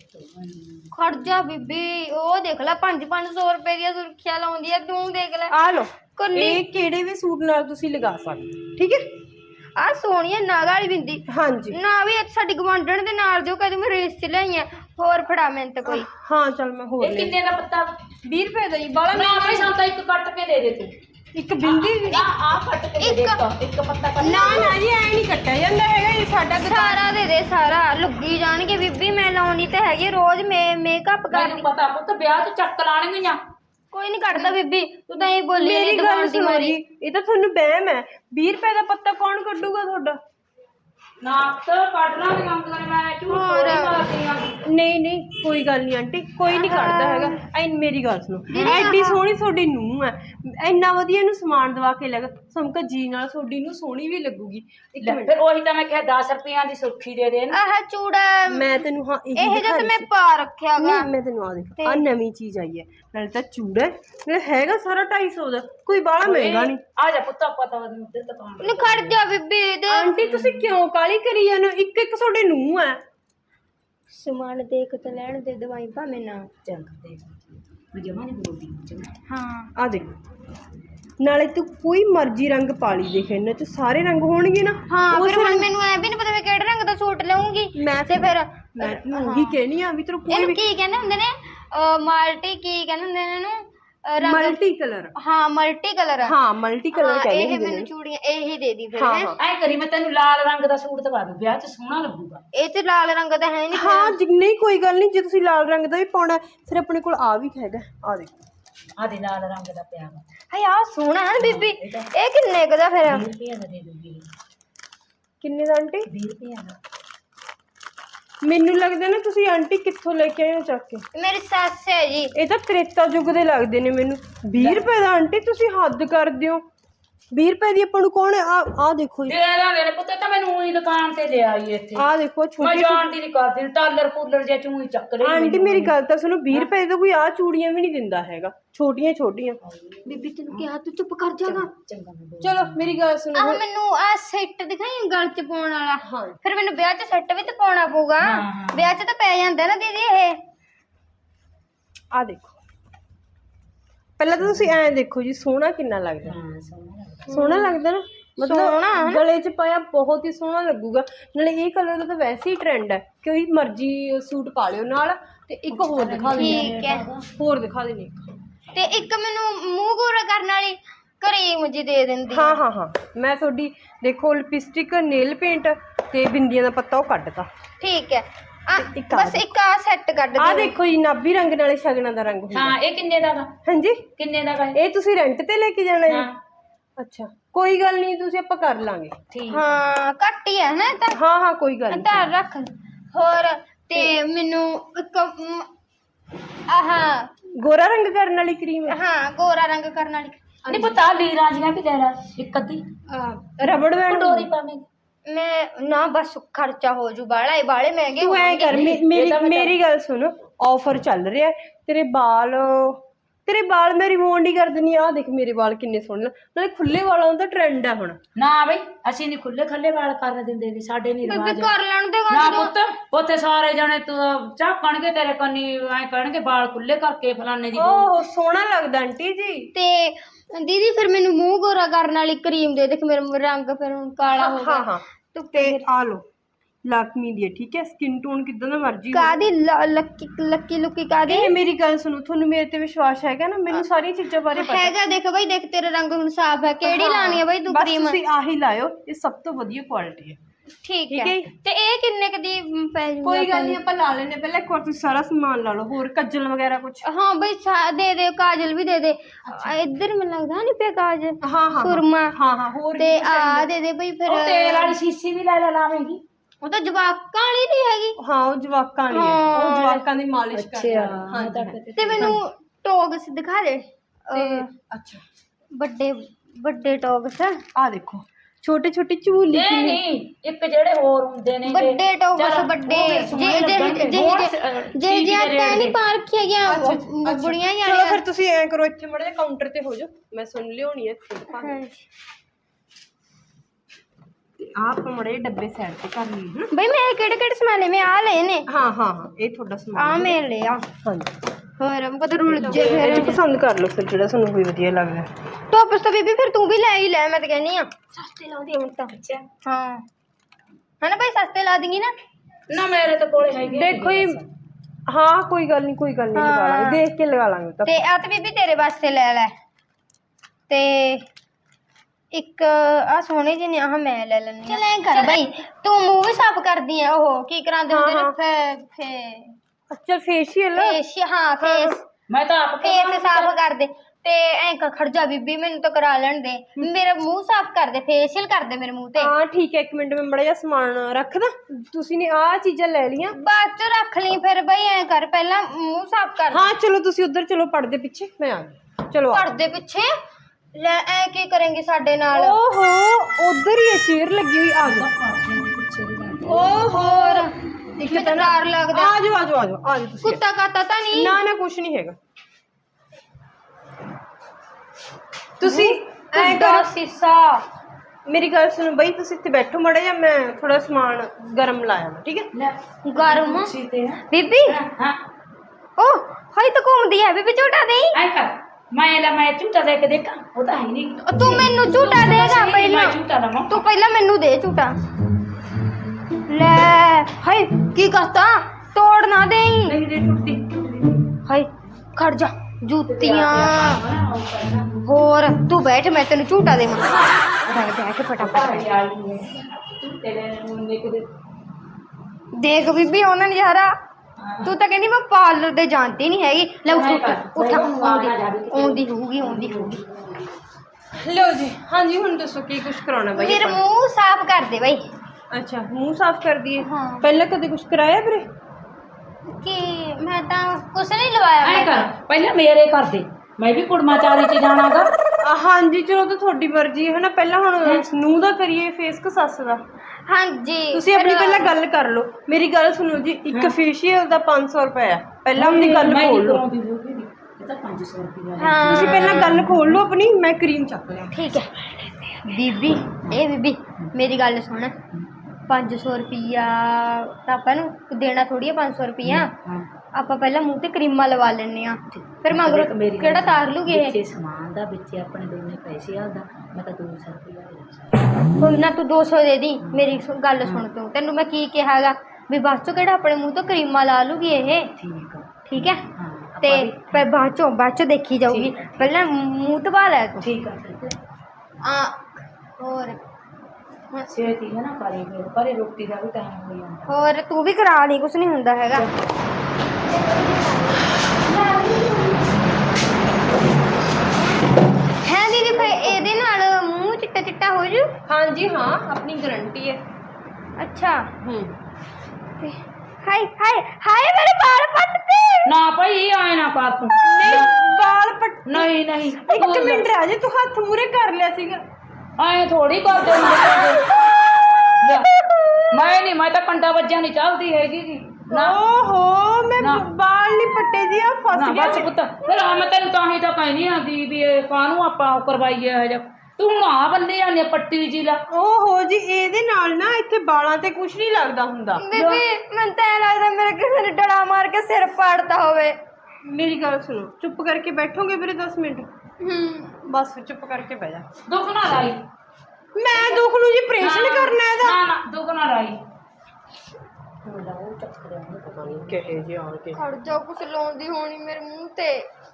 Speaker 2: ਖੜ ਜਾ ਬੀਬੀ, ਉਹ ਦੇਖ ਲੈ ਪੰਜ ਪੰਜ ਸੌ ਰੁਪਏ ਦੀਆਂ ਸੁਰਖੀਆਂ ਲਾਉਂਦੀ ਆ, ਤੂੰ ਦੇਖ ਲੈ।
Speaker 1: ਆ ਲਓ,
Speaker 2: ਕੁੰਨੀ।
Speaker 1: ਇਹ ਕਿਹੜੇ ਵੀ ਸੂਟ ਨਾਲ ਤੁਸੀਂ ਲਗਾ ਸਕਦੇ, ਠੀਕ ਹੈ।
Speaker 2: ਆ ਸੋਹਣੀਆ ਨਾਗ ਵਾਲੀ ਬਿੰਦੀ
Speaker 1: ਹਾਂਜੀ
Speaker 2: ਨਾ ਵੀ ਇਹ ਸਾਡੀ ਗਵਾਂਢਣ ਦੇ ਨਾਲ ਜੋ ਕਦੇ ਮੈਂ ਰੇਸ ਚ ਲਈ ਆ। ਹੋਰ ਫੜਾ ਮੈਨੂੰ ਤਾਂ ਕੋਈ।
Speaker 1: ਹਾਂ ਚਲ ਮੈਂ ਹੋਰ
Speaker 3: ਇਹ
Speaker 1: ਲੈ
Speaker 3: ਕਿੰਨੇ ਦਾ ਪੱਤਾ?
Speaker 1: ਵੀਹ ਰੁਪਏ ਦਾ ਜੀ, ਬਾਲਾ
Speaker 3: ਨਾ ਭਾਈ ਸਾਨੂੰ ਤਾਂ ਇੱਕ ਕੱਟ ਕੇ ਦੇ ਦੇ ਤੂੰ।
Speaker 1: ਇੱਕ ਬਿੰਦੀ ਵੀ।
Speaker 3: ਨਾ ਆਹ ਕੱਟ ਕੇ ਦੇ ਦੇ, ਇੱਕ ਇੱਕ ਪੱਤਾ ਕੱਟ।
Speaker 1: ਨਾ ਨਾ ਜੀ ਐ ਨਹੀਂ ਕੱਟਿਆ ਜਾਂਦਾ ਹੈਗਾ, ਇਹ ਸਾਡਾ ਦੁਕਾਨ-
Speaker 2: ਸਾਰਾ ਦੇ ਦੇ, ਸਾਰਾ ਲੁੱਗੀ ਜਾਣਗੇ ਬੀਬੀ। ਮੈਂ ਲਾਉਣੀ ਤਾਂ ਹੈਗੀ ਰੋਜ਼, ਮੈਂ ਮੇਕਅਪ
Speaker 3: ਮੈਨੂੰ
Speaker 2: ਕਰਦੀ।
Speaker 3: ਪਤਾ ਪੁੱਤ ਵਿਆਹ ਚ ਚੱਕ ਲਾਣਗੀਆਂ।
Speaker 2: ਕੋਈ ਨਹੀਂ ਕੱਟਦਾ ਬੀਬੀ, ਤੂੰ ਤਾਂ ਇਹ ਬੋਲੀ
Speaker 1: ਮੇਰੀ
Speaker 2: ਨਹੀਂ
Speaker 1: ਗੱਲ
Speaker 2: ਦੁਕਾਨ ਦੀ
Speaker 1: ਸੁਣੋ
Speaker 2: ਮਾਰੀ।
Speaker 1: ਜੀ, ਇਹ ਤਾਂ ਤੁਹਾਨੂੰ ਵਹਿਮ ਹੈ। ਵੀਹ ਰੁਪਏ ਦਾ ਪੱਤਾ ਕੌਣ ਕੱਢੂਗਾ ਤੁਹਾਡਾ?
Speaker 3: ਨਾ ਤਾਂ ਕੱਢ ਲਾਂਗੇ ਕੰਮ ਕਰੇ, ਮੈਂ ਝੂਠ
Speaker 2: ਹੋਰ।
Speaker 3: ਥੋੜੀ ਮਾਰਦੀ ਆ।
Speaker 1: ਨਹੀਂ ਨਹੀਂ ਕੋਈ ਗੱਲ ਨਹੀਂ ਆਂਟੀ, ਕੋਈ ਨਹੀਂ ਕੱਢਦਾ ਹੈਗਾ। ਐ ਮੇਰੀ ਗੱਲ ਸੁਣੋ, ਐਡੀ ਸੋਹਣੀ ਤੁਹਾਡੀ ਨੂੰਹ ਹੈ, ਇੰਨਾ ਵਧੀਆ ਇਹਨੂੰ ਸਮਾਨ ਦਵਾ ਕੇ ਲੱਗ ਸਮਕਾ ਜੀ ਨਾਲ ਤੁਹਾਡੀ ਨੂੰ ਸੋਹਣੀ ਵੀ ਲੱਗੂਗੀ। ਇੱਕ
Speaker 3: ਲੈ,
Speaker 1: ਮਿੰਟ
Speaker 3: ਫਿਰ ਉਹੀ ਤਾਂ ਮੈਂ ਕਿਹਾ ਦਸ ਰੁਪਈਆਂ ਦੀ ਸੁਰਖੀ ਦੇ ਦੇ ਨਾ।
Speaker 2: ਆਹ ਚੂੜਾ
Speaker 1: ਮੈਂ ਤੈਨੂੰ ਹਾਂ ਇਹੀ
Speaker 2: ਇਹ
Speaker 1: ਦਿਖਾ
Speaker 2: ਜਦ
Speaker 1: ਰਹੀ
Speaker 2: ਮੈਂ
Speaker 1: ਸੀ।
Speaker 2: ਪਾ ਰੱਖਿਆ ਗਾ।
Speaker 1: ਨਹੀਂ ਮੈਂ ਤੈਨੂੰ ਆ ਦੇਖ, ਆ ਨਵੀਂ ਚੀਜ਼ ਆਈ ਹੈ, ਨਾਲੇ ਤਾਂ ਚੂੜਾ ਹੈ, ਨਾਲੇ ਹੈਗਾ ਸਾਰਾ ਢਾਈ ਸੌ ਦਾ, ਕੋਈ ਬਾਹਲਾ ਮਹਿੰਗਾ ਨਹੀਂ।
Speaker 3: ਆ ਜਾ ਪੁੱਤ ਪਤਾ ਨਹੀਂ ਤੇ ਦੁਕਾਨ
Speaker 2: ਨੀ ਖੜ ਜਾ ਬੀਬੀ ਦੇ
Speaker 1: ਆਂਟੀ ਤੁਸੀਂ ਕਿਉਂ ਕਾਲੀ ਕਰੀ ਜਾਂਦੇ ਹੋ? ਇੱਕ ਇੱਕ ਤੁਹਾਡੇ ਨੂੰਹ ਹੈ।
Speaker 2: ਸਮਾਨ ਦੇਖ ਤੇ ਲੈਣ ਦੇ, ਦਵਾਈ ਭਾਵੇਂ ਨਾ।
Speaker 3: ਚੰਗਾ ਦੇਖ, ਮੈਂ ਜਮਾ ਨਹੀਂ ਬੋਲਦੀ ਚੰਗਾ।
Speaker 2: ਹਾਂ
Speaker 1: ਆ ਦੇਖ, ਨਾਲੇ ਤੂੰ ਕੋਈ ਮਰਜ਼ੀ ਰੰਗ ਪਾ ਲਈ, ਦੇਖ ਇਹਨਾਂ ਚ ਸਾਰੇ ਰੰਗ ਹੋਣਗੇ ਨਾ।
Speaker 2: ਹਾਂ
Speaker 1: ਉਸ
Speaker 2: ਫਿਰ ਹੁਣ
Speaker 1: ਰੰਗ-
Speaker 2: ਮੈਨੂੰ ਐ ਵੀ ਨਹੀਂ ਪਤਾ ਮੈਂ ਕਿਹੜੇ ਰੰਗ ਦਾ ਸੂਟ ਲਵਾਂਗੀ।
Speaker 1: ਮੈਂ
Speaker 2: ਤੇ ਫਿਰ
Speaker 1: ਮੈਂ ਤੈਨੂੰ ਉਹੀ ਕਹਿਣੀ ਆ ਵੀ ਤੈਨੂੰ ਕੋਈ
Speaker 2: ਇਹਨੂੰ
Speaker 1: ਵੀ
Speaker 2: ਕੀ ਕਹਿੰਦੇ ਹੁੰਦੇ ਨੇ? ਅਹ ਮਾਲਟੀ ਕੀ ਕਹਿੰਦੇ ਹੁੰਦੇ ਨੇ ਇਹਨੂੰ? ਅਹ ਰੰਗ
Speaker 1: ਮਲਟੀ ਕਲਰ।
Speaker 2: ਹਾਂ ਮਲਟੀ ਕਲਰ।
Speaker 1: ਹਾਂ ਮਲਟੀ ਕਲਰ
Speaker 2: ਹਾਂ,
Speaker 1: ਕਹਿੰਦੇ
Speaker 2: ਇਹ
Speaker 1: ਹੁੰਦੇ
Speaker 2: ਮੈਨੂੰ
Speaker 1: ਨੇ।
Speaker 2: ਚੂੜੀਆਂ ਇਹੀ ਦੇ ਦੀ ਫਿਰ
Speaker 1: ਹਾਂ
Speaker 2: ਹੈਂ।
Speaker 1: ਹਾਂ
Speaker 3: ਐ ਕਰੀ, ਮੈਂ ਤੈਨੂੰ ਲਾਲ ਰੰਗ ਦਾ ਸੂਟ ਦਵਾ ਦੂੰ, ਵਿਆਹ ਚ ਸੋਹਣਾ ਲੱਗੂਗਾ।
Speaker 2: ਇਹ ਚ ਲਾਲ ਰੰਗ ਦਾ ਹੈ ਨਹੀਂ।
Speaker 1: ਹਾਂ ਜੀ, ਨਹੀਂ ਕੋਈ ਗੱਲ ਨਹੀਂ, ਜੇ ਤੁਸੀਂ ਲਾਲ ਰੰਗ ਦਾ ਵੀ ਪਾਉਣਾ ਫਿਰ ਆਪਣੇ ਕੋਲ ਆ ਵੀ ਹੈਗਾ। ਆ ਦੇਖ,
Speaker 3: ਆ ਦੇ ਲਾਲ ਰੰਗ ਦਾ ਪਿਆ ਵਾ,
Speaker 2: ਹਾਏ ਆ ਸੋਹਣਾ ਹੈ ਨਾ ਬੀਬੀ। ਇਹ ਕਿੰਨੇ ਕੁ ਦਾ ਫਿਰ?
Speaker 3: ਵੀਹ ਰੁਪਈਆ ਦਾ ਦੇ ਦੂੰਗੀ।
Speaker 1: ਕਿੰਨੇ ਦਾ ਆਂਟੀ?
Speaker 3: ਵੀਹ ਰੁਪਈਆ ਦਾ।
Speaker 1: ਮੈਨੂੰ ਲੱਗਦਾ ਨਾ ਤੁਸੀਂ ਆਂਟੀ ਕਿੱਥੋਂ ਲੈ ਕੇ ਆਏ ਹੋ ਚੱਕ ਕੇ।
Speaker 2: ਮੇਰੀ ਸੱਸ ਹੈ ਜੀ।
Speaker 1: ਇਹ ਤਾਂ ਤ੍ਰੇਤਾ ਯੁੱਗ ਦੇ ਲੱਗਦੇ ਨੇ ਮੈਨੂੰ। ਵੀਹ ਰੁਪਏ ਦਾ ਆਂਟੀ ਤੁਸੀਂ ਹੱਦ ਕਰਦੇ ਹੋ। ਵੀਹ ਰੁਪਏ ਦੀ ਆਪਾਂ ਨੂੰ ਕੌਣ ਆ? ਆ ਦੇਖੋ ਜੀ,
Speaker 3: ਦੇ ਦਾਂਗੇ ਨੇ ਪੁੱਤ, ਤਾਂ ਮੈਨੂੰ ਉਹੀ ਦੁਕਾਨ ਤੇ ਲੈ ਆਈ ਇੱਥੇ।
Speaker 1: ਆ ਦੇਖੋ
Speaker 3: ਮੈਂ
Speaker 1: ਛੋਟੀ
Speaker 3: ਜਾਣਦੀ ਨਹੀਂ ਕਰਦੀ, ਟਾਲਰ ਕੂਲਰ ਜੇ ਚੂਈ ਚੱਕ ਲਈ
Speaker 1: ਆਂਟੀ ਮੇਰੀ ਗੱਲ ਤਾਂ ਸੁਣੋ, ਵੀਹ ਰੁਪਏ ਦਾ ਕੋਈ ਆ ਚੂੜੀਆਂ ਵੀ ਨਹੀਂ ਦਿੰਦਾ ਹੈਗਾ, ਛੋਟੀਆਂ ਛੋਟੀਆਂ।
Speaker 2: ਬੀਬੀ ਤੈਨੂੰ ਕਿਹਾ ਤੂੰ ਚੁੱਪ ਕਰ ਜਾਗਾ।
Speaker 3: ਚੰਗਾ ਮੈਂ ਬੋਲ-
Speaker 1: ਚਲੋ ਮੇਰੀ ਗੱਲ ਸੁਣੋ।
Speaker 2: ਆਹ ਮੈਨੂੰ ਆ ਸੈੱਟ ਦਿਖਾਈ ਗਲ ਚ ਪਾਉਣ ਵਾਲਾ।
Speaker 1: ਹਾਂ
Speaker 2: ਫਿਰ ਮੈਨੂੰ ਵਿਆਹ ਚ ਸੈੱਟ ਵੀ ਤਾਂ ਪਾਉਣਾ ਪਊਗਾ।
Speaker 3: ਹਾਂ, ਹਾਂ।
Speaker 2: ਵਿਆਹ ਚ ਤਾਂ ਪੈ ਜਾਂਦਾ ਨਾ ਦੀਦੀ ਇਹ।
Speaker 1: ਆ ਦੇਖੋ, ਪਹਿਲਾਂ ਤਾਂ ਤੁਸੀਂ ਐਂ ਦੇਖੋ ਜੀ, ਸੋਹਣਾ ਕਿੰਨਾ ਲੱਗਦਾ।
Speaker 3: ਹਾਂ ਸੋਹਣਾ ਲੱਗਦਾ।
Speaker 1: ਸੋਹਣਾ ਲੱਗਦਾ ਨਾ,
Speaker 2: ਸੋਹਣਾ
Speaker 1: ਮਤਲਬ ਗਲੇ 'ਚ ਪਾਇਆ ਬਹੁਤ ਹੀ ਸੋਹਣਾ ਲੱਗੂਗਾ। ਨਾਲੇ ਇਹ ਕਲਰ ਦਾ ਤਾਂ ਵੈਸੇ ਹੀ ਟ੍ਰੈਂਡ ਹੈ, ਕੋਈ ਮਰਜ਼ੀ ਸੂਟ ਪਾ ਲਿਓ ਨਾਲ। ਤੇ ਇੱਕ ਹੋਰ ਦਿਖਾ ਦਿੰਦੇ,
Speaker 2: ਠੀਕ ਹੈ।
Speaker 1: ਹੋਰ ਦਿਖਾ ਦਿੰਦੇ।
Speaker 2: ਤੇ ਇੱਕ ਮੈਨੂੰ ਮੂੰਹ ਗੋਰਾ ਕਰਨ ਵਾਲੀ ਕਰੀਮ ਜੀ ਦੇ ਦਿੰਦੀ।
Speaker 1: ਹਾਂ ਹਾਂ ਹਾਂ, ਮੈਂ ਤੁਹਾਡੀ ਦੇਖੋ ਲਿਪਸਟਿਕ, ਨੇਲ ਪੇਂਟ ਤੇ ਬਿੰਦੀਆਂ ਦਾ ਪੱਤਾ ਉਹ ਕੱਢਤਾ।
Speaker 2: ਠੀਕ ਹੈ। ਆ
Speaker 1: ਤੇ ਇੱਕ ਆ
Speaker 2: ਬਸ ਇੱਕ ਆ ਸੈੱਟ ਕੱਢ
Speaker 1: ਆ
Speaker 2: ਦੇ।
Speaker 1: ਦੇਖੋ ਜੀ, ਨਾਭੀ ਰੰਗ ਨਾਲੇ ਸ਼ਗਨਾਂ ਦਾ ਰੰਗ ਹੁੰਦਾ।
Speaker 3: ਹਾਂ ਇਹ ਕਿੰਨੇ ਦਾ ਵਾ?
Speaker 1: ਹਾਂਜੀ,
Speaker 3: ਕਿੰਨੇ ਦਾ ਵਾ ਇਹ?
Speaker 1: ਇਹ ਤੁਸੀਂ ਰੈਂਟ ਤੇ ਲੈ ਕੇ ਜਾਣਾ ਜੀ?
Speaker 3: ਹਾਂ
Speaker 1: ਅੱਛਾ ਕੋਈ ਗੱਲ ਨਹੀਂ, ਤੁਸੀਂ ਆਪਾਂ ਕਰ ਲਾਂਗੇ।
Speaker 3: ਠੀਕ।
Speaker 2: ਹਾਂ ਘੱਟ ਹੀ ਹੈ ਨਾ ਇਹ ਤਾਂ।
Speaker 1: ਹਾਂ ਹਾਂ ਕੋਈ ਗੱਲ ਨਹੀਂ।
Speaker 2: ਧਾਰ ਰੱਖ। ਹੋਰ ਤੇ ਮੈਨੂੰ ਇੱਕ ਮ, ਆਹ
Speaker 1: ਗੋਰਾ ਰੰਗ ਕਰਨ ਵਾਲੀ ਕਰੀਮ।
Speaker 2: ਹਾਂ ਗੋਰਾ ਰੰਗ ਕਰਨ ਵਾਲੀ।
Speaker 3: ਨਹੀਂ ਪਤਾ ਲੀਰਾਂ ਜੀਆਂ ਵੀ ਲੈ ਲੈ ਇੱਕ ਅੱਧੀ
Speaker 1: ਰਬੜ ਬੈਂਡ
Speaker 3: ਡੋਰੀ ਪਾਵੇਂਗੀ।
Speaker 2: ਮੈਂ ਨਾ ਬਸ ਖਰਚਾ ਹੋ ਜੂ ਬਾਲਾ ਇਹ ਬਾਲੇ ਮਹਿੰਗੇ
Speaker 1: ਤੂੰ ਐ ਕਰ ਮੇ-
Speaker 3: ਇਹ
Speaker 1: ਮੇਰੀ
Speaker 3: ਤਾਂ ਮੈਂ
Speaker 1: ਮੇਰੀ ਗੱਲ ਸੁਣ ਆਫਰ ਚੱਲ ਰਿਹਾ ਹੈ, ਤੇਰੇ ਵਾਲ ਤੇਰੇ ਵਾਲ ਮੈਂ ਰਿਮੂਵ ਨਹੀਂ ਕਰ ਦਿੰਦੀ ਆ ਦੇਖ ਮੇਰੇ ਵਾਲ ਕਿੰਨੇ ਸੋਹਣੇ ਨੇ, ਨਾਲੇ ਖੁੱਲੇ ਵਾਲਾਂ ਦਾ ਟ੍ਰੈਂਡ ਹੈ ਹੁਣ।
Speaker 3: ਨਾ ਬਈ ਅਸੀਂ ਨਹੀਂ ਖੁੱਲੇ ਖੱਲੇ ਵਾਲ ਕਰਨ ਦਿੰਦੇ ਨੀ, ਸਾਡੇ ਨਹੀਂ
Speaker 2: ਬੀਬੀ
Speaker 3: ਰਿਵਾਜ
Speaker 2: ਕਰ ਲੈਣ ਦੇ
Speaker 3: ਨਾ ਪੁੱਤ ਉੱਥੇ ਸਾਰੇ ਜਣੇ ਤੂੰ ਝਾਕਣਗੇ ਤੇਰੇ ਕੰਨੀ ਐ ਕਹਿਣਗੇ ਵਾਲ ਖੁੱਲੇ ਕਰਕੇ ਫਲਾਣੇ ਦੀ ਬਹੂ।
Speaker 1: ਓਹ ਸੋਹਣਾ ਲੱਗਦਾ ਆਂਟੀ ਜੀ।
Speaker 2: ਤੇ ਦੀਦੀ ਫਿਰ ਮੈਨੂੰ ਮੂੰਹ ਗੋਰਾ ਕਰਨ ਵਾਲੀ ਕਰੀਮ ਦੇ ਦੇਖ ਮੇਰਾ ਰੰਗ ਫਿਰ ਹੁਣ ਕਾਲਾ ਹੋ
Speaker 1: ਹਾਂ
Speaker 2: ਗਿਆ
Speaker 1: ਹਾਂ ਤੇ ਆ ਲੋ ਲਾਕਮੀ ਦੀ ਹੈ ਠੀਕ ਹੈ, ਸਕਿਨ ਟੋਨ ਕਿਦਾਂ ਦਾ ਮਰਜੀ
Speaker 2: ਕਾਦੀ ਲੱਕੀ ਲੱਕੀ ਲੁੱਕੀ ਕਾਦੀ
Speaker 1: ਇਹ ਮੇਰੀ ਗੱਲ ਸੁਣੋ, ਤੁਹਾਨੂੰ ਮੇਰੇ ਤੇ ਵਿਸ਼ਵਾਸ ਹੈਗਾ ਨਾ, ਮੈਨੂੰ ਸਾਰੀਆਂ ਚੀਜ਼ਾਂ ਬਾਰੇ ਪਤਾ
Speaker 2: ਹੈਗਾ। ਦੇਖ ਬਈ ਦੇਖ ਤੇਰਾ ਰੰਗ ਹੁਣ ਸਾਫ਼ ਹੈ। ਕਿਹੜੀ ਲਾਣੀ ਹੈ ਬਈ ਤੂੰ
Speaker 1: ਬਸ
Speaker 2: ਕਰੀਮ?
Speaker 1: ਤੁਸੀਂ ਆਹੀ ਲਾਇਓ, ਇਹ ਸਭ ਤੋਂ ਵਧੀਆ ਕੁਆਲਿਟੀ ਹੈ।
Speaker 2: ਠੀਕ
Speaker 1: ਠੀਕ
Speaker 2: ਹੈ।
Speaker 1: ਹੈ।
Speaker 2: ਤੇ ਇਹ ਕਿੰਨੇ ਕ ਦੀ ਮ, ਪੈ ਜੂਗਾ?
Speaker 1: ਕੋਈ ਗੱਲ ਨਹੀਂ, ਆਪਾਂ ਲਾ ਲੈਨੇ ਪਹਿਲਾਂ ਇੱਕ ਵਾਰ ਤੁਸੀਂ ਸਾਰਾ ਸਮਾਨ ਲਾ ਲਓ, ਹੋਰ ਕੱਜਲ ਵਗੈਰਾ ਕੁਝ।
Speaker 2: ਹਾਂ ਬਈ ਸਾ- ਦੇ ਦੇ ਕਾਜਲ ਵੀ ਦੇ ਦੇ। ਇੱਧਰ ਮੈਨੂੰ ਲੱਗਦਾ ਨਹੀਂ ਪਿਆ ਕਾਜਲ
Speaker 1: ਹਾਂ ਹਾਂ
Speaker 2: ਸੁਰਮਾ
Speaker 1: ਹਾਂ ਹਾਂ ਹੋਰ
Speaker 2: ਤੇ ਆ ਦੇ ਦੇ ਬਈ ਫਿਰ
Speaker 3: ਉਹ ਤੇਲ ਵਾਲੀ ਸ਼ੀਸ਼ੀ ਵੀ ਲੈ ਲੈ ਲਾਵੇਂਗੀ।
Speaker 2: ਉਹ ਤਾਂ ਜਵਾਕਾਂ ਵਾਲੀ ਨਹੀਂ ਹੈਗੀ।
Speaker 1: ਹਾਂ ਉਹ ਜਵਾਕਾਂ ਦੀ ਹੈ, ਉਹ ਜਵਾਕਾਂ ਦੀ ਮਾਲਿਸ਼ ਕਰਦੇ ਆ। ਹਾਂ
Speaker 2: ਤੇ ਮੈਨੂੰ ਟੋਗਸ ਦਿਖਾ ਦੇ ਅਹ,
Speaker 1: ਅੱਛਾ
Speaker 2: ਵੱਡੇ ਵੱਡੇ ਟੋਗਸ
Speaker 1: ਆ ਦੇਖੋ ਛੋਟੇ ਛੋਟੇ ਝੂਲੀ
Speaker 3: ਇਹ ਨਹੀਂ ਇੱਕ ਜਿਹੜੇ ਹੋਰ ਹੁੰਦੇ ਨੇ
Speaker 2: ਵੱਡੇ ਟੋਗਸ ਵੱਡੇ ਜੇ ਜੇ ਜੇ ਜੇ ਜੇ ਤੈਂ ਨਹੀਂ ਪਾ ਰੱਖੀ ਹੈਗੀਆਂ ਬੁੜੀਆਂ ਹੀ
Speaker 1: ਚਲੋ ਫਿਰ ਤੁਸੀਂ ਐਂ ਕਰੋ, ਇੱਥੇ ਮੜੇ ਕਾਊਂਟਰ ਤੇ ਹੋ ਜਾਓ, ਮੈਂ ਸੁਣ ਲਿਆਉਣੀ ਹੈ ਤੇ ਆਪ ਮੜੇ ਡੱਬੇ ਸਾਈਡ ਤੇ ਕਰ ਲਈ ਹਨਾ।
Speaker 2: ਬਈ ਮੈਂ ਕਿਹੜੇ ਕਿਹੜੇ ਸਮਾਨ ਮੈਂ ਆ ਲਏ ਨੇ।
Speaker 1: ਹਾਂ ਹਾਂ ਹਾਂ ਇਹ ਤੁਹਾਡਾ ਸਮਾਨ
Speaker 2: ਆ ਮੈਂ ਲਿਆ।
Speaker 1: ਹਾਂਜੀ
Speaker 2: ਹੋਰ ਪਤਾ ਰੁਲ ਜੇ ਫਿਰ
Speaker 1: ਪਸੰਦ ਕਰ ਲਓ ਫਿਰ ਜਿਹੜਾ ਤੁਹਾਨੂੰ ਕੋਈ ਵਧੀਆ ਲੱਗਦਾ।
Speaker 2: ਟੋਪਸ ਤਾਂ ਬੀਬੀ ਫਿਰ ਤੂੰ ਵੀ ਲੈ ਹੀ ਲੈ, ਮੈਂ ਤਾਂ ਕਹਿੰਦੀ ਆ ਸਸਤੇ ਲਾਉਂਦੀ ਹੁਣ ਤਾਂ। ਅੱਛਾ ਹਾਂ ਹਨਾ ਭਾਈ ਸਸਤੇ ਲਾ ਦੇਂਗੀ ਨਾ?
Speaker 3: ਨਾ ਮੇਰੇ ਤਾਂ ਕੋਲੇ ਹੈਗੇ।
Speaker 1: ਦੇਖੋ ਜੀ ਹਾਂ ਕੋਈ ਗੱਲ ਨਹੀਂ ਕੋਈ ਗੱਲ ਨਹੀਂ ਲਗਾ ਲਾਂਗੇ, ਦੇਖ ਕੇ ਲਗਾ ਲਾਂਗੇ ਤਾਂ।
Speaker 2: ਤੇ ਆ ਤੇ ਬੀਬੀ ਤੇਰੇ ਵਾਸਤੇ ਲੈ ਲੈ। ਤੇ ਇੱਕ ਆ ਸੋਹਣੇ ਜਿਹੇ ਨੇ ਆਹ ਮੈਂ ਲੈ ਲੈਣੀ। ਚਲ ਐਂ ਕਰ ਬਈ ਤੂੰ ਮੂੰਹ ਵੀ ਸਾਫ਼ ਕਰਦੀ ਆ। ਉਹ ਕੀ ਕਰਾਉਂਦੇ ਹੁੰਦੇ ਨੇ ਫੇ ਫੇ
Speaker 1: ਅੱਛਾ ਫੇਸ਼ੀਅਲ
Speaker 2: ਫੇਸ ਹਾਂ ਫੇਸ
Speaker 3: ਮੈਂ ਤਾਂ ਆਪ
Speaker 2: ਫੇਸ ਸਾਫ਼ ਕਰ ਦੇ। ਤੇ ਐਂ ਕਰ ਖੜ ਜਾ ਬੀਬੀ ਮੈਨੂੰ ਤਾਂ ਕਰਾ ਲੈਣ ਦੇ, ਮੇਰਾ ਮੂੰਹ ਸਾਫ਼ ਕਰ ਦੇ, ਫੇਸ਼ੀਅਲ ਕਰ ਦੇ ਮੇਰੇ ਮੂੰਹ ਤੇ।
Speaker 1: ਹਾਂ ਠੀਕ ਹੈ, ਇੱਕ ਮਿੰਟ ਮੈਂ ਮੜਾ ਜਿਹਾ ਸਮਾਨ ਰੱਖਦਾ। ਤੁਸੀਂ ਨੇ ਆਹ ਚੀਜ਼ਾਂ ਲੈ ਲਈਆਂ,
Speaker 2: ਬਾਅਦ ਚ ਰੱਖ ਲਈ ਫਿਰ ਬਈ। ਐਂ ਕਰ ਪਹਿਲਾਂ ਮੂੰਹ ਸਾਫ਼ ਕਰ।
Speaker 1: ਹਾਂ ਚਲੋ ਤੁਸੀਂ ਉਧਰ ਚਲੋ ਪੜਦੇ ਪਿੱਛੇ, ਮੈਂ ਆ ਗਈ। ਚਲੋ ਆ
Speaker 2: ਪਰਦੇ ਪਿੱਛੇ ਲੈ ਐ ਕੀ ਕਰੇਂਗੇ ਸਾਡੇ ਨਾਲ?
Speaker 1: ਓਹੋ ਉਧਰ ਹੀ ਚੇਅਰ ਲੱਗੀ ਹੋਈ, ਆ ਜਾਓ। ਓ ਹੋਰ
Speaker 2: ਇੱਕ ਤਾਂ ਡਰ ਲੱਗਦਾ।
Speaker 1: ਆ ਜਾਓ ਆ ਜਾਓ ਆ ਜਾਓ ਆ ਜਾਓ ਤੁਸੀਂ।
Speaker 2: ਕੁੱਤਾ ਕਾਤਾ ਤਾਂ ਨਹੀਂ?
Speaker 1: ਨਾ ਨਾ ਕੁਛ ਨਹੀਂ ਹੈਗਾ। ਤੁਸੀਂ ਐ
Speaker 2: ਐਂ
Speaker 1: ਕਰੋ,
Speaker 2: ਸੀਸਾ
Speaker 1: ਮੇਰੀ ਗੱਲ ਸੁਣੋ ਬਈ, ਤੁਸੀਂ ਇੱਥੇ ਬੈਠੋ ਮੜਾ ਜਿਹਾ, ਮੈਂ ਥੋੜਾ ਸਮਾਨ ਗਰਮ ਲਾਇਆ ਵਾ, ਠੀਕ ਹੈ?
Speaker 2: ਗਰਮ
Speaker 3: ਸੀਤੇ
Speaker 2: ਬੀਬੀ।
Speaker 3: ਹਾਂ
Speaker 2: ਓ ਹਾਈ ਤਾਂ ਘੁੰਮਦੀ ਹੈ ਬੀਬੀ, ਝੂਟਾ ਦੇ।
Speaker 3: ਐ ਕਰ ਮੈਂ ਲੈ ਮੈਂ ਝੂਟਾ ਦੇ ਕੇ ਦੇਖਾਂ, ਉਹ ਤਾਂ ਹੈ ਨਹੀਂ।
Speaker 2: ਤੂੰ ਮੈਨੂੰ ਝੂਟਾ ਦੇਗਾ ਪਹਿਲਾਂ?
Speaker 3: ਮੈਂ ਝੂਟਾ ਲਵਾਂ।
Speaker 2: ਤੂੰ ਪਹਿਲਾਂ ਮੈਨੂੰ ਦੇ ਝੂਟਾ। ਲੈ ਹਾਏ ਕੀ ਕਰਤਾ? ਤੋੜ ਨਾ ਦੇਈ।
Speaker 3: ਨਹੀਂ ਦੇ ਟੁੱਟੀ।
Speaker 2: ਹਾਏ ਖੜ ਜਾ ਜੁੱਤੀਆਂ। ਹੋਰ ਤੂੰ ਬੈਠ ਮੈਂ ਤੈਨੂੰ ਝੂਟਾ ਦੇਵਾਂ। ਬੈਠ ਬੈਠ ਫਟਾਫਟ। ਦੇਖ ਬੀਬੀ ਉਹਨਾਂ ਨਜ਼ਾਰਾ। ਤੂੰ ਤਾਂ ਕਹਿੰਦੀ ਮੈਂ ਪਾਰਲਰ ਦੇ ਜਾਂਦੀ ਨਹੀਂ ਹੈਗੀ। ਲੈ ਉੱਠ ਉੱਠ ਉੱਠ ਆਉਂਦੀ ਆਉਂਦੀ ਹੋਊਗੀ ਆਉਂਦੀ ਹੋਊਗੀ।
Speaker 1: ਲਓ ਜੀ ਹਾਂਜੀ ਹੁਣ ਦੱਸੋ ਕੀ ਕੁਛ ਕਰਾਉਣਾ ਬਈ
Speaker 2: ਮੇਰਾ
Speaker 1: ਆਪਾਂ?
Speaker 2: ਮੂੰਹ ਸਾਫ਼ ਕਰ ਦੇ ਬਈ।
Speaker 1: ਅੱਛਾ ਮੂੰਹ ਸਾਫ਼ ਕਰ ਦਈਏ?
Speaker 2: ਹਾਂ।
Speaker 1: ਪਹਿਲਾਂ ਕਦੇ ਕੁਛ ਕਰਾਇਆ ਵੀਰੇ?
Speaker 2: ਕਿ ਮੈਂ ਤਾਂ ਕੁਛ ਨਹੀਂ ਲਵਾਇਆ।
Speaker 3: ਐ ਕਰ ਪਹਿਲਾਂ ਮੇਰੇ ਕਰ ਦੇ, ਮੈਂ ਵੀ ਕੁੜਮਾਚਾਰੀ ਚ ਜਾਣਾਗਾ।
Speaker 1: ਆ, ਹਾਂਜੀ ਚਲੋ ਤਾਂ ਤੁਹਾਡੀ ਮਰਜ਼ੀ ਹੈ ਨਾ। ਪਹਿਲਾਂ ਹੁਣ ਨੂੰਹ ਦਾ ਕਰੀਏ ਫੇਸ ਕਿ ਸੱਸ ਦਾ?
Speaker 2: ਹਾਂਜੀ
Speaker 1: ਤੁਸੀਂ ਆਪਣੀ ਪਹਿਲਾਂ ਗੱਲ ਕਰ ਲਓ। ਮੇਰੀ ਗੱਲ ਸੁਣੋ ਜੀ, ਇੱਕ ਫੇਸ਼ੀਅਲ ਦਾ ਪੰਜ ਸੌ ਰੁਪਏ ਆ। ਪਹਿਲਾਂ ਆਪਣੀ ਗੱਲ ਖੋਲ ਲਓ।
Speaker 3: ਇਹ ਤਾਂ ਪੰਜ ਸੌ ਰੁਪਏ।
Speaker 2: ਹਾਂ
Speaker 1: ਤੁਸੀਂ ਪਹਿਲਾਂ ਗੱਲ ਖੋਲ ਲਓ ਆਪਣੀ, ਮੈਂ ਕਰੀਮ ਚੱਕ ਲਿਆ।
Speaker 2: ਠੀਕ ਹੈ ਬੀਬੀ। ਇਹ ਬੀਬੀ ਮੇਰੀ ਗੱਲ ਸੁਣ, ਪੰਜ ਸੌ ਰੁਪਈਆ ਤਾਂ ਆਪਾਂ ਨੂੰ ਦੇਣਾ ਥੋੜੀ ਆ। ਪੰਜ ਸੌ ਰੁਪਈਆ ਆਪਾਂ ਪਹਿਲਾਂ ਮੂੰਹ ਤੇ ਕਰੀਮਾਂ ਲਵਾ ਲੈਣੇ ਆ, ਫਿਰ ਮਗਰੋਂ ਕਿਹੜਾ ਤਾਰ ਲੂਗੇ ਇਹ?
Speaker 3: ਵਿੱਚੇ ਸਮਾਨ ਦਾ ਵਿੱਚੇ ਆਪਣੇ ਦੋਨੇ ਪੈਸੇ ਆਉਂਦਾ। ਮੈਂ ਤਾਂ ਦੋ ਸੌ ਰੁਪਇਆ।
Speaker 2: ਕੋਈ ਨਾ ਤੂੰ ਦੋ ਸੌ ਦੇ ਦੀ। ਮੇਰੀ ਸੁ- ਗੱਲ ਸੁਣ ਤੂੰ, ਤੈਨੂੰ ਮੈਂ ਕੀ ਕਿਹਾਗਾ ਵੀ ਬਾਅਦ ਚੋਂ ਕਿਹੜਾ ਆਪਣੇ ਮੂੰਹ ਤੋਂ ਕਰੀਮਾਂ ਲਾ ਲੂਗੀ ਇਹ।
Speaker 3: ਠੀਕ ਆ
Speaker 2: ਠੀਕ ਹੈ
Speaker 3: ਹਾਂ
Speaker 2: ਤੇ ਫਿਰ ਬਾਅਦ ਚੋਂ ਬਾਅਦ ਚੋਂ ਦੇਖੀ ਜਾਊਗੀ। ਪਹਿਲਾਂ ਮੂੰਹ ਧਵਾ ਲੈ ਤੂੰ।
Speaker 3: ਠੀਕ ਆ ਠੀਕ ਆ।
Speaker 2: ਆ ਹੋਰ
Speaker 3: ਛੇਤੀ ਹੈ ਨਾ ਕਰੇ ਫਿਰ ਪਰੇ ਰੋਟੀ ਦਾ ਵੀ ਟਾਈਮ ਹੋ ਜਾਂਦਾ।
Speaker 2: ਹੋਰ ਤੂੰ ਵੀ ਕਰਾ ਲਈ, ਕੁਛ ਨਹੀਂ ਹੁੰਦਾ ਹੈਗਾ। ਹੈ ਦੀਦੀ ਫਿਰ ਇਹਦੇ ਨਾਲ ਮੂੰਹ ਚਿੱਟਾ ਚਿੱਟਾ ਹੋ ਜੂ?
Speaker 1: ਹਾਂਜੀ ਹਾਂ ਆਪਣੀ ਗਾਰੰਟੀ ਹੈ।
Speaker 2: ਅੱਛਾ
Speaker 1: ਹੂੰ
Speaker 2: ਤੇ ਹਾਏ ਹਾਏ ਹਾਏ ਮੇਰੇ ਵਾਲ ਪੱਟ ਤੇ।
Speaker 3: ਨਾ ਭਾਈ ਆਏ ਨਾ ਕਰ ਤੂੰ
Speaker 1: ਨਹੀਂ ਵਾਲ ਪੱਟ
Speaker 3: ਨਹੀਂ ਨਹੀਂ
Speaker 1: ਇੱਕ ਮਿੰਟ ਰਹਿ ਜਾ, ਤੂੰ ਹੱਥ ਮੂਰੇ ਕਰ ਲਿਆ ਸੀਗਾ।
Speaker 3: ਆਏ ਥੋੜੀ ਕਰਦੇ ਹੁੰਦੇ ਲੈ, ਮੈਂ ਨਹੀਂ ਮੈਂ ਤਾਂ ਕੰਡਾ ਵੱਜਿਆ ਨਹੀਂ ਚੱਲਦੀ ਹੈਗੀ ਗੀ। ਨਾ
Speaker 1: ਓਹੋ ਮੈਂ
Speaker 3: ਨਾ।
Speaker 1: ਵਾਲ ਨਹੀਂ ਪੱਟੇ ਜੀ, ਆ ਫਸ
Speaker 3: ਨਾ
Speaker 1: ਗਿਆ।
Speaker 3: ਬਸ ਪੁੱਤ ਫਿਰ ਆ ਮੈਂ ਤੈਨੂੰ ਤਾਂ ਹੀ ਤਾਂ ਕਹਿਨੀ ਆਂਦੀ ਵੀ ਇਹ ਕਾਹਨੂੰ ਆਪਾਂ ਉਹ ਕਰਵਾਈਏ ਇਹ ਜਿਹਾ ਤੂੰ ਨਾ ਬੰਨੇ ਆਨੇ ਪੱਟੀ ਜੀ ਲਾ।
Speaker 1: ਓਹੋ ਜੀ ਇਹਦੇ ਨਾਲ ਨਾ ਇੱਥੇ ਵਾਲਾਂ ਤੇ ਕੁਝ ਨਹੀਂ ਲੱਗਦਾ ਹੁੰਦਾ।
Speaker 2: ਬੀਬੀ ਮੈਨੂੰ ਤਾਂ ਐਂ ਲੱਗਦਾ ਮੇਰੇ ਕਿਸੇ ਨੇ ਡੜਾ ਮਾਰ ਕੇ ਸਿਰ ਪਾੜਤਾ ਹੋਵੇ।
Speaker 1: ਮੇਰੀ ਗੱਲ ਸੁਣੋ, ਚੁੱਪ ਕਰਕੇ ਬੈਠੋਗੇ ਵੀਰੇ ਦਸ ਮਿੰਟ?
Speaker 2: ਹੂੰ
Speaker 1: ਬਸ ਚੁੱਪ ਕਰਕੇ ਬਹਿ ਜਾ।
Speaker 3: ਦੁੱਖ ਨਾ ਲਾਈ
Speaker 1: ਮੈਂ ਦੁੱਖ ਨੂੰ ਜੀ ਆਪਰੇਸ਼ਨ ਕਰਨਾ ਇਹਦਾ।
Speaker 3: ਨਾ ਨਾ ਦੁੱਖ ਨਾ ਲਾਈ
Speaker 1: ਪਤਾ ਨਹੀਂ ਕਿਹੇ ਜੇ ਆਣ ਕੇ।
Speaker 2: ਖੜ ਜਾ, ਕੁਛ ਲਾਉਂਦੀ ਹੋਣੀ ਮੇਰੇ ਮੂੰਹ ਤੇ।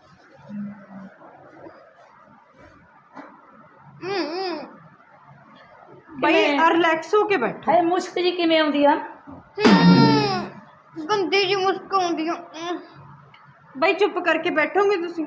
Speaker 2: ਹੂੰ ਹੂੰ
Speaker 1: ਬਈ ਰਿਲੈਕਸ ਹੋ ਕੇ ਬੈਠੋ।
Speaker 3: ਹੈ ਮੁਸ਼ਕ ਜੀ ਕਿਵੇਂ ਆਉਂਦੀ ਆ?
Speaker 2: ਹੂੰ ਗੰਦੀ ਜੀ ਮੁਸਕ ਆਉਂਦੀ ਆ। ਹੂੰ।
Speaker 1: ਬਈ ਚੁੱਪ ਕਰਕੇ ਬੈਠੋਗੇ ਤੁਸੀਂ?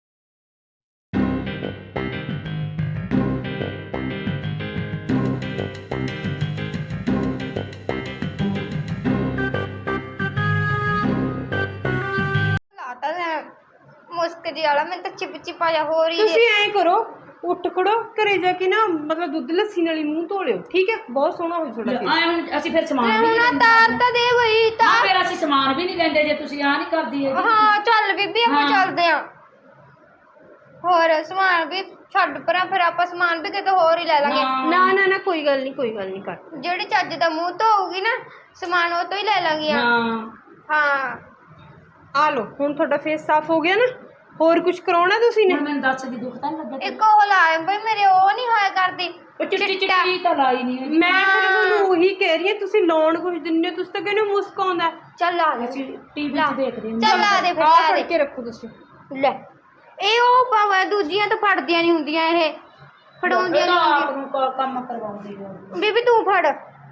Speaker 2: ਲਾਤਾ ਮੈਂ ਮੁਸਕ ਜੀ ਵਾਲਾ, ਮੈਨੂੰ ਤਾਂ ਚਿਪ ਚਿਪਾ ਜਾ ਹੋ ਰਹੀ
Speaker 1: ਤੁਸੀਂ ਐਂ ਕਰੋ, ਉੱਠ ਖੜੋ, ਘਰੇ ਜਾ ਕੇ ਨਾ ਮਤਲਬ ਦੁੱਧ ਲੱਸੀ ਨਾਲ ਹੀ ਮੂੰਹ ਧੋ ਲਿਓ, ਠੀਕ ਹੈ? ਬਹੁਤ ਸੋਹਣਾ ਹੋ ਤੁਹਾਡਾ face।
Speaker 3: ਆਏ ਹੁਣ ਅਸੀਂ ਫਿਰ ਸਮਾਨ ਵੀ
Speaker 2: ਹੁਣ
Speaker 3: ਨਹੀਂ
Speaker 2: ਤਾਰ ਤਾਂ ਦੇ ਬਈ
Speaker 3: ਨਾ
Speaker 2: ਤਾਰ।
Speaker 3: ਫਿਰ ਅਸੀਂ ਸਮਾਨ ਵੀ ਨਹੀਂ ਲੈਂਦੇ ਜੇ ਤੁਸੀਂ ਆ ਨਹੀਂ ਕਰਦੀ ਹੈਗੀ।
Speaker 2: ਹਾਂ ਚੱਲ ਬੀਬੀ ਆਪਾਂ
Speaker 3: ਹਾਂ।
Speaker 2: ਚੱਲਦੇ ਆਂ। ਹੋਰ ਸਮਾਨ ਵੀ ਛੱਡ ਪਰਾਂ, ਫਿਰ ਆਪਾਂ ਸਮਾਨ ਵੀ ਕਿਤੇ ਹੋਰ ਹੀ ਲੈ ਲਾਂਗੇ।
Speaker 3: ਹਾਂ।
Speaker 1: ਨਾ ਨਾ ਨਾ ਕੋਈ ਗੱਲ ਨਹੀਂ, ਕੋਈ ਗੱਲ ਨਹੀਂ ਕਰ।
Speaker 2: ਜਿਹੜੀ ਚੱਜ ਦਾ ਮੂੰਹ ਧੋਊਗੀ ਨਾ ਸਮਾਨ ਉਹ ਤੋਂ ਹੀ ਲੈ ਲਾਂਗੀਆਂ।
Speaker 3: ਹਾਂ
Speaker 2: ਹਾਂ
Speaker 1: ਆ ਲਓ, ਹੁਣ ਤੁਹਾਡਾ ਫੇਸ ਸਾਫ਼ ਹੋ ਗਿਆ ਨਾ? ਹੋਰ ਕੁਝ ਕਰਾਉਣਾ ਤੁਸੀਂ ਨੇ?
Speaker 3: ਹੁਣ ਮੈਨੂੰ ਦੱਸ ਦੀ ਦੁੱਖ ਤਾਂ ਨੀ ਲੱਗਾ
Speaker 2: ਇੱਕ ਉਹ ਲਾਏ ਬਈ ਮੇਰੇ, ਉਹ ਨਹੀਂ ਹੋਇਆ ਕਰਦੀ।
Speaker 3: ਉਹ ਚਿੱਟੀ ਚਿੱਟੀ ਤਾਂ ਲਾਈ ਨਹੀਂ ਹੈਗੀ।
Speaker 1: ਮੈਂ ਫਿਰ ਤੁਹਾਨੂੰ ਉਹੀ ਕਹਿ ਰਹੀ ਹਾਂ, ਤੁਸੀਂ ਲਾਉਣ ਕੁਝ ਦਿੰਦੇ ਹੋ, ਤੁਸੀਂ ਤਾਂ ਕਹਿੰਦੇ ਹੋ ਮੁਸਕ ਆਉਂਦਾ।
Speaker 2: ਚੱਲ ਆ ਦੇ,
Speaker 3: ਅਸੀਂ ਟੀਵੀ
Speaker 2: ਲਾ।
Speaker 3: 'ਚ ਦੇਖਦੇ ਹਾਂ।
Speaker 2: ਚੱਲ ਆ ਦੇ ਫਿਰ,
Speaker 1: ਆਹ
Speaker 2: ਆ
Speaker 1: ਫੜ
Speaker 2: ਦੇ।
Speaker 1: ਕੇ ਰੱਖੋ ਤੁਸੀਂ।
Speaker 2: ਲੈ ਇਹ ਉਹ ਭਾਵੇਂ ਦੂਜੀਆਂ ਤਾਂ ਫੜਦੀਆਂ ਨਹੀਂ ਹੁੰਦੀਆਂ, ਇਹ ਫੜਾਉਂਦੀਆਂ
Speaker 3: ਇਹ ਤਾਂ
Speaker 2: ਨਹੀਂ
Speaker 3: ਆਪ
Speaker 2: ਹੁੰਦੀਆਂ।
Speaker 3: ਨੂੰ ਕ- ਕੰਮ ਕਰਵਾਉਂਦੀ ਹੈ
Speaker 2: ਬੀਬੀ ਤੂੰ ਫੜ।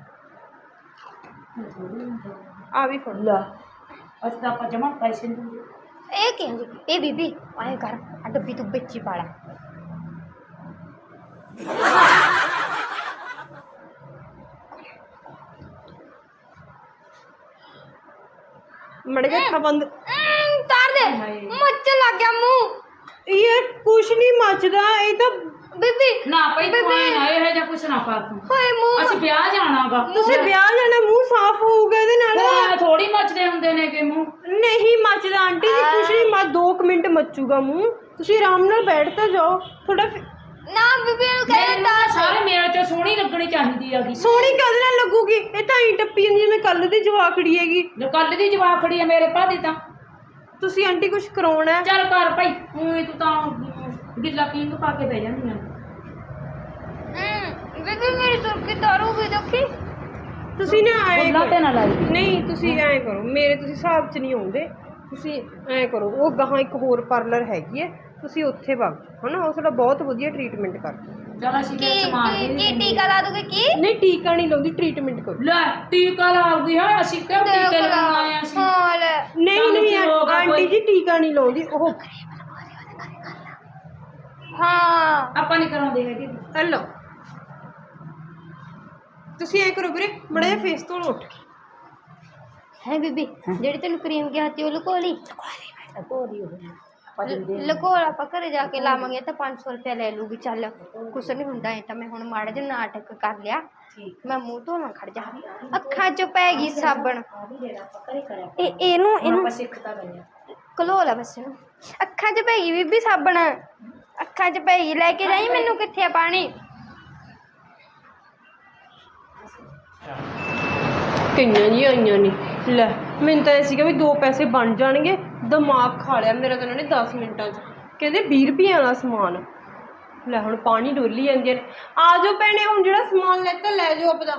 Speaker 1: ਆ ਵੀ ਫੜ।
Speaker 3: ਲਾ ਅਸੀਂ ਤਾਂ ਆਪਾਂ ਜਮਾ ਪੈਸੇ ਨਹੀਂ ਦਿੰਦੇ।
Speaker 2: ਇਹ ਕਹਿੰਦੀ ਇਹ ਬੀਬੀ ਆਏ ਕਰ, ਆ ਡੱਬੀ ਤੂੰ ਵਿੱਚ ਹੀ ਪਾ ਲਾ।
Speaker 1: ਮੜ ਗਿਆ ਅੱਖਾਂ ਬੰਦ।
Speaker 2: ਅਮ, ਤਾਰ ਦੇ, ਮੱਚ ਲੱਗ ਗਿਆ ਮੂੰਹ।
Speaker 1: ਇਹ ਕੁਛ ਨਹੀਂ ਮੱਚਦਾ, ਇਹ ਤਾਂ
Speaker 2: ਬੀਬੀ
Speaker 3: ਨਾ ਭਾਈ ਤੂੰ ਆਏ ਨਾ ਇਹ ਜਿਹਾ ਕੁਛ ਨਾ ਕਰ ਤੂੰ।
Speaker 2: ਹੋਏ ਮੂੰਹ।
Speaker 3: ਅਸੀਂ ਵਿਆਹ ਜਾਣਾਗਾ।
Speaker 1: ਤੁਸੀਂ ਵਿਆਹ ਲੈਣਾ, ਮੂੰਹ ਸਾਫ਼ ਹੋਊਗਾ ਇਹਦੇ ਨਾਲ।
Speaker 3: ਥੋੜੀ ਮੱਚਦੇ ਹੁੰਦੇ ਨੇ ਕਿ ਮੂੰਹ।
Speaker 1: ਨਹੀਂ ਮੱਚਦਾ ਆਂਟੀ ਜੀ, ਕੁਛ ਨਹੀਂ ਮੱਚ, ਦੋ ਕੁ ਮਿੰਟ ਮੱਚੂਗਾ ਮੂੰਹ। ਤੁਸੀਂ ਆਰਾਮ ਨਾਲ ਬੈਠ ਤਾਂ ਜਾਓ ਥੋੜਾ।
Speaker 2: ਨਾ ਬੀਬੀ ਨੂੰ ਕਹਿੰਦੇ
Speaker 3: ਮੈਨੂੰ
Speaker 2: ਤਾਰ
Speaker 3: ਤਾਂ ਸਾਰੇ ਮੇਰੇ ਚ ਸੋਹਣੀ ਲੱਗਣੀ ਚਾਹੀਦੀ ਹੈਗੀ।
Speaker 1: ਸੋਹਣੀ ਕਦ ਨਾਲ ਲੱਗੂਗੀ? ਇਹ ਤਾਂ ਹੀ ਟੱਪੀ ਜਾਂਦੀ ਜਿਵੇਂ ਕੱਲ ਦੀ ਜਵਾਕੜੀ ਹੈਗੀ।
Speaker 3: ਜੋ ਕੱਲ ਦੀ ਜਵਾਬ ਖੜੀ ਹੈ ਮੇਰੇ ਭਾਦੀ ਤਾਂ।
Speaker 1: ਤੁਸੀਂ ਆਂਟੀ ਕੁਛ ਕਰਾਉਣਾ ਹੈ?
Speaker 3: ਚੱਲ ਕਰ ਭਾਈ, ਊਂ ਤੂੰ ਤਾਂ ਗਿੱਲਾ ਪੀਂਗ ਪਾ ਕੇ ਬਹਿ ਜਾਂਦੀ ਆ।
Speaker 2: ਹਮ ਬੀਬੀ ਮੇਰੀ ਸੁਰਖੀ ਤਾਰੂ ਵੀ ਦੇਖੀ।
Speaker 1: ਤੁਸੀਂ ਨਾ ਆਏ
Speaker 3: ਬੁੱਲਾ ਤੇ ਨਾ ਲਾਈ।
Speaker 1: ਨਹੀਂ ਤੁਸੀਂ ਐਂ ਕਰੋ, ਮੇਰੇ ਤੁਸੀਂ ਹਿਸਾਬ 'ਚ ਨਹੀਂ ਆਉਂਦੇ। ਤੁਸੀਂ ਐਂ ਕਰੋ, ਉਹ ਗਾਹਾਂ ਇੱਕ ਹੋਰ ਪਾਰਲਰ ਹੈਗੀ ਹੈ, ਤੁਸੀਂ ਉੱਥੇ ਵਗ ਜਾਓ ਹਨਾ, ਉਹ ਤੁਹਾਡਾ ਬਹੁਤ ਵਧੀਆ ਟਰੀਟਮੈਂਟ ਕਰਦੇ।
Speaker 3: ਚੱਲ ਅਸੀਂ
Speaker 2: ਕੀ
Speaker 3: ਫਿਰ ਸਮਾਨ ਵੀ
Speaker 2: ਕੀ-
Speaker 3: ਨਹੀਂ
Speaker 2: ਕੀ
Speaker 3: ਦਿੰਦੇ।
Speaker 2: ਟੀਕਾ ਲਾ ਦੂਗੇ ਕੀ?
Speaker 1: ਨਹੀਂ ਟੀਕਾ ਨਹੀਂ ਲਾਉਂਦੀ, ਟਰੀਟਮੈਂਟ ਕਰੋ।
Speaker 3: ਲੈ ਟੀਕਾ ਲਾਉਗੀ ਹੈ, ਅਸੀਂ ਕਿਉਂ ਟੀਕੇ ਲਾਉਣ ਆਏ ਅਸੀਂ?
Speaker 2: ਹਾਂ ਲੈ
Speaker 1: ਨਹੀਂ
Speaker 3: ਸਾਨੂੰ
Speaker 1: ਨਹੀਂ
Speaker 3: ਕੀ ਹੋਗਾ
Speaker 1: ਆਂਟੀ
Speaker 3: ਕੋਈ?
Speaker 1: ਜੀ ਟੀਕਾ ਨਹੀਂ ਲਾਉਂਦੀ ਉਹ।
Speaker 2: ਹਾਂ
Speaker 3: ਆਪਾਂ ਨਹੀਂ ਕਰਾਉਂਦੇ ਹੈਗੇ।
Speaker 1: ਹਲੋ ਤੁਸੀਂ ਐਂ ਕਰੋ ਵੀਰੇ, ਮੜਾ ਜਿਹਾ ਫੇਸ ਤੋਂ ਉੱਠ ਕੇ।
Speaker 2: ਹੈ ਬੀਬੀ ਜਿਹੜੀ ਤੈਨੂੰ ਕਰੀਮ ਕਿਹਾ ਸੀ ਉਹ ਲੁਕੋ ਲਈ। ਲੁਕੋ ਆਪਾਂ ਘਰੇ ਜਾ ਕੇ ਲਾਵਾਂਗੇ ਤਾਂ ਪੰਜ ਸੌ ਰੁਪਇਆ ਲੈ ਲੂਗੀ। ਚੱਲ ਕੁਛ ਨਹੀਂ ਹੁੰਦਾ, ਇਹ ਤਾਂ ਮੈਂ ਹੁਣ ਮਾੜਾ ਜਿਹਾ ਨਾਟਕ ਕਰ ਲਿਆ। ਮੈਂ ਮੂੰਹ ਧੋਣਾ ਖੜ ਜਾ, ਅੱਖਾਂ 'ਚ ਪੈ ਗਈ ਸਾਬਣ। ਇਹ ਇਹਨੂੰ ਇਹਨੂੰ
Speaker 3: ਸਿੱਖਤਾ ਗਏ
Speaker 2: ਘਲੋ ਲਾ ਬਸ ਇਹਨੂੰ। ਅੱਖਾਂ 'ਚ ਪੈ ਗਈ ਬੀਬੀ ਸਾਬਣ, ਅੱਖਾਂ 'ਚ ਪੈ ਗਈ। ਲੈ ਕੇ ਜਾਈ ਮੈਨੂੰ, ਕਿੱਥੇ ਆ ਪਾਣੀ?
Speaker 1: ਕਈਆਂ ਜੀ ਆਈਆਂ ਨਹੀਂ। ਲੈ ਮੈਨੂੰ ਤਾਂ ਇਹ ਸੀਗਾ ਵੀ ਦੋ ਪੈਸੇ ਬਣ ਜਾਣਗੇ, ਦਿਮਾਗ ਖਾ ਲਿਆ ਮੇਰਾ ਤਾਂ ਇਹਨਾਂ ਨੇ ਦਸ ਮਿੰਟਾਂ 'ਚ। ਕਹਿੰਦੇ ਵੀਹ ਰੁਪਈਆਂ ਵਾਲਾ ਸਮਾਨ। ਲੈ ਹੁਣ ਪਾਣੀ ਡੋਲੀ ਜਾਂਦੀਆਂ ਨੇ। ਆ ਜਾਓ ਭੈਣੇ, ਹੁਣ ਜਿਹੜਾ ਸਮਾਨ ਲੈਤਾ ਲੈ ਜਾਓ ਆਪਦਾ।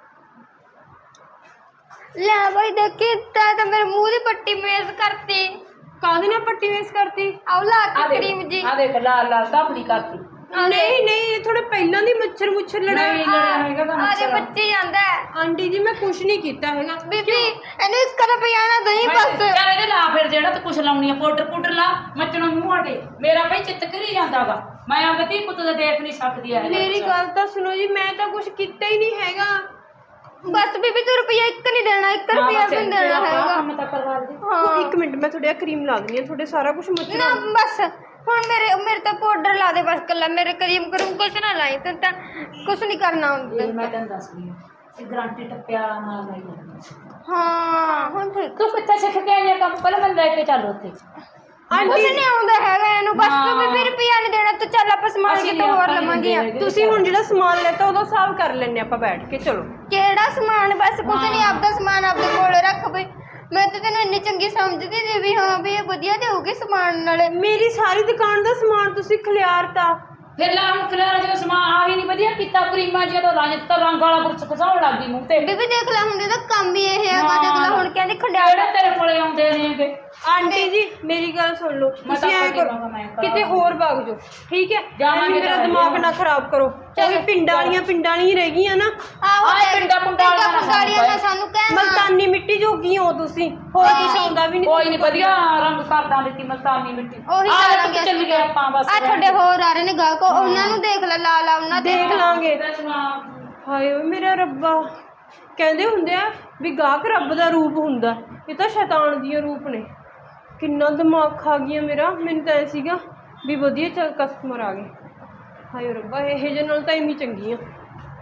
Speaker 2: ਲੈ ਬਾਈ ਦੇਖੀ ਤਾਂ ਤਾਂ ਮੇਰੇ ਮੂੰਹ ਦੀ ਪੱਟੀ ਮੇਜ਼ ਕਰਤੀ।
Speaker 1: ਕਾਹਦੇ ਨਾਲ ਪੱਟੀ ਵੇਸ ਕਰਤੀ?
Speaker 2: ਆਹ ਲਾ ਕੇ ਕਰੀਮ ਜੀ।
Speaker 3: ਆ ਦੇਖ ਲਾਲ ਲਾਲ ਧਾਪੜੀ ਕਰਤੀ।
Speaker 1: ਨਹੀਂ ਨਹੀਂ, ਇਹ ਥੋੜੇ ਪਹਿਲਾਂ ਦੀ ਮੱਛਰ ਮੁੱਛਰ ਲੜਾ।
Speaker 3: ਨਹੀਂ ਲੜਿਆ ਹੈਗਾ ਤਾਂ
Speaker 2: ਆਰੇ
Speaker 3: ਮੱਛਰ।
Speaker 2: ਬੱਚੇ ਜਾਂਦਾ ਹੈ।
Speaker 1: ਆਂਟੀ ਜੀ ਮੈਂ ਕੁਛ ਨਹੀਂ ਕੀਤਾ ਹੈਗਾ।
Speaker 2: ਬੀਬੀ ਇਹਨੂੰ ਇਸ ਕਦੇ ਪਿਆਣਾ ਦਹੀਂ ਬਸ।
Speaker 3: ਚੱਲ ਇਹਦੇ ਲਾ ਫਿਰ, ਜਿਹੜਾ ਤੂੰ ਕੁਛ ਲਾਉਣੀ ਆ ਪਾਊਡਰ ਪਾਊਡਰ ਲਾ, ਮੱਚਣਾ ਮੂੰਹ ਹਟੇ। ਮੇਰਾ ਭਾਈ ਚਿੱਤ ਕਰੀ ਜਾਂਦਾਗਾ, ਮੈਂ ਆਪਦੇ ਧੀ ਪੁੱਤ ਦਾ ਦੇਖ ਨਹੀਂ ਸਕਦੀ ਐ।
Speaker 1: ਮੇਰੀ ਗੱਲ ਤਾਂ ਸੁਣੋ ਜੀ, ਮੈਂ ਤਾਂ ਕੁਛ ਕੀਤਾ ਹੀ ਨਹੀਂ ਹੈਗਾ।
Speaker 2: ਬਸ ਬੀਬੀ ਤੂੰ ਰੁਪਈਆ ਇੱਕ ਨਹੀਂ ਦੇਣਾ, ਇੱਕ ਰੁਪਈਆ ਵੀ ਨਹੀਂ ਦੇਣਾ ਹੈਗਾ।
Speaker 3: ਕੰਮ ਤਾਂ ਕਰਵਾ ਦੇ।
Speaker 1: ਉਹ ਇੱਕ ਮਿੰਟ ਮੈਂ ਤੁਹਾਡੇ ਕਰੀਮ ਲਾ ਦਿੰਦੀ ਹਾਂ, ਤੁਹਾਡੇ ਸਾਰਾ ਕੁਝ ਮੱਚਣਾ।
Speaker 2: ਨਾ ਬਸ ਹੁਣ ਮੇਰੇ ਮੇਰੇ ਤਾਂ ਪਾਊਡਰ ਲਾ ਦੇ ਬਸ ਕੱਲਾ, ਮੇਰੇ ਕਰੀਮ ਕਰੂੰ ਕੁਛ ਨਾ ਲਾਈ ਤੈਨੂੰ ਤਾਂ ਕੁਛ ਨਹੀਂ ਕਰਨਾ ਹੁੰਦਾ।
Speaker 3: ਇਹ ਮੈਂ ਤੈਨੂੰ ਦੱਸਦੀ ਹਾਂ, ਇਹ ਗਰੰਟੀ ਟੱਪਿਆ ਨਾਲ ਨਹੀਂ ਲੱਗਦਾ।
Speaker 2: ਹਾਂ ਹੁਣ ਠੀਕ।
Speaker 3: ਤੂੰ ਕਿੱਥੇ ਸਿੱਖ ਕੇ ਆਈ ਆ ਕੰਮ? ਪਹਿਲਾਂ ਮੈਨੂੰ ਲੈ ਕੇ ਚੱਲ ਉੱਥੇ।
Speaker 2: ਕੁਛ ਨਹੀਂ ਆਉਂਦਾ ਹੈਗਾ ਇਹਨੂੰ, ਬਸ ਤੂੰ ਬੀਬੀ ਰੁਪਈਆ ਨਹੀਂ ਦੇਣਾ ਤੂੰ ਚੱਲ ਆਪਾਂ ਸਮਾਨ
Speaker 3: ਅਸੀਂ
Speaker 2: ਕਿਤੋਂ ਹੋਰ ਲਵਾਂਗੀਆਂ।
Speaker 1: ਤੁਸੀਂ ਹੁਣ ਜਿਹੜਾ ਸਮਾਨ ਲੈਤਾ ਉਹਦਾ ਹਿਸਾਬ ਕਰ ਲੈਣੇ ਆਪਾਂ ਬੈਠ ਕੇ, ਚਲੋ।
Speaker 2: ਕਿਹੜਾ ਸਮਾਨ? ਬਸ ਕੁਛ ਨਹੀਂ, ਆਪਦਾ ਸਮਾਨ ਆਪਦੇ ਕੋਲ ਰੱਖ ਬਈ। ਮੈਂ ਤਾਂ ਤੈਨੂੰ ਇੰਨੀ ਚੰਗੀ ਸਮਝਦੀ ਸੀ ਵੀ ਹਾਂ ਵੀ ਇਹ ਵਧੀਆ ਦੇਊਗੀ ਸਮਾਨ ਨਾਲੇ।
Speaker 1: ਮੇਰੀ ਸਾਰੀ ਦੁਕਾਨ ਦਾ ਸਮਾਨ ਤੁਸੀਂ ਖਿਲਾਰਤਾ।
Speaker 3: ਫਿਰ ਲਾ ਹੁਣ ਖਿਲਾਰਾ ਜਦੋਂ ਸਮਾਨ ਆਹੀ ਨਹੀਂ ਵਧੀਆ ਕੀਤਾ, ਕਰੀਮਾਂ ਜਦੋਂ ਰੰਗ ਤਾਂ ਰੰਗ ਵਾਲਾ ਬੁਰਸ਼ ਘਸਾਉਣ ਲੱਗ ਗਈ ਮੂੰਹ ਤੇ।
Speaker 2: ਬੀਬੀ ਦੇਖ ਲੈ ਹੁਣ ਇਹਦਾ ਕੰਮ ਹੀ ਇਹ ਹੈਗਾ, ਦੇਖ ਲੈ ਹੁਣ ਕਹਿੰਦੀ ਖੰਡਿਆੜ।
Speaker 3: ਜਿਹੜੇ ਤੇਰੇ ਕੋਲੇ ਆਉਂਦੇ ਨੇਗੇ।
Speaker 1: ਆਂਟੀ ਜੀ ਮੇਰੀ ਗੱਲ ਸੁਣ ਲਓ, ਤੁਸੀਂ ਐ ਕਰੋ ਕਿਤੇ ਹੋਰ ਭੱਗ ਜਾਓ, ਠੀਕ ਹੈ?
Speaker 3: ਜਾਵਾਂਗੇ
Speaker 1: ਮੇਰਾ ਦਿਮਾਗ ਨਾ ਖਰਾਬ ਕਰੋ। ਉਹ ਪਿੰਡਾਂ ਵਾਲੀਆਂ ਪਿੰਡਾਂ ਵਾਲੀਆਂ ਰਹਿ ਗਈਆਂ ਨਾ।
Speaker 2: ਆਹੋ
Speaker 3: ਆਹ ਪਿੰਡਾਂ ਪੁੰਡਾਂ ਵਾਲੀਆਂ ਨਾ
Speaker 2: ਪੁੰਡਾਂ ਨਾ ਸਾਨੂੰ ਕਹਿਣਾ।
Speaker 1: ਮਲਤਾਨੀ ਮਿੱਟੀ ਜੋਗੀ ਹੋ ਤੁਸੀਂ, ਹੋਰ ਕੁਛ ਆਉਂਦਾ ਵੀ ਨਹੀਂ।
Speaker 3: ਕੋਈ ਨਹੀਂ, ਵਧੀਆ ਰੰਗ ਕਰਦਾਂ ਦਿੱਤੀ ਮਲਤਾਨੀ ਮਿੱਟੀ।
Speaker 2: ਉਹੀ
Speaker 3: ਆਹ
Speaker 2: ਕਰਾਂਗੇ
Speaker 3: ਚੱਲ ਗਏ ਆਪਾਂ ਬਸ।
Speaker 2: ਆ ਤੁਹਾਡੇ ਹੋਰ ਆ ਰਹੇ ਨੇ ਗਾਹਕ, ਉਹਨਾਂ ਨੂੰ ਦੇਖ ਲੈ, ਲਾ ਲਾ ਉਹਨਾਂ ਦੇ।
Speaker 1: ਦੇਖ ਲਾਂਗੇ।
Speaker 3: ਇਹਦਾ ਸਮਾਨ
Speaker 1: ਹਾਏ ਓਏ ਮੇਰਾ ਰੱਬਾ, ਕਹਿੰਦੇ ਹੁੰਦੇ ਆ ਵੀ ਗਾਹਕ ਰੱਬ ਦਾ ਰੂਪ ਹੁੰਦਾ, ਇਹ ਤਾਂ ਸ਼ੈਤਾਨ ਦੀਆਂ ਰੂਪ ਨੇ। ਕਿੰਨਾ ਦਿਮਾਗ ਖਾ ਗਿਆ ਮੇਰਾ। ਮੈਨੂੰ ਤਾਂ ਐ ਸੀਗਾ ਵੀ ਵਧੀਆ ਚੱਲ ਕਸਟਮਰ ਆ ਗਏ। ਹਾਏ ਰੱਬਾ, ਇਹ ਜਿਹੇ ਨਾਲ ਤਾਂ ਇੰਨੀ ਚੰਗੀ ਆ।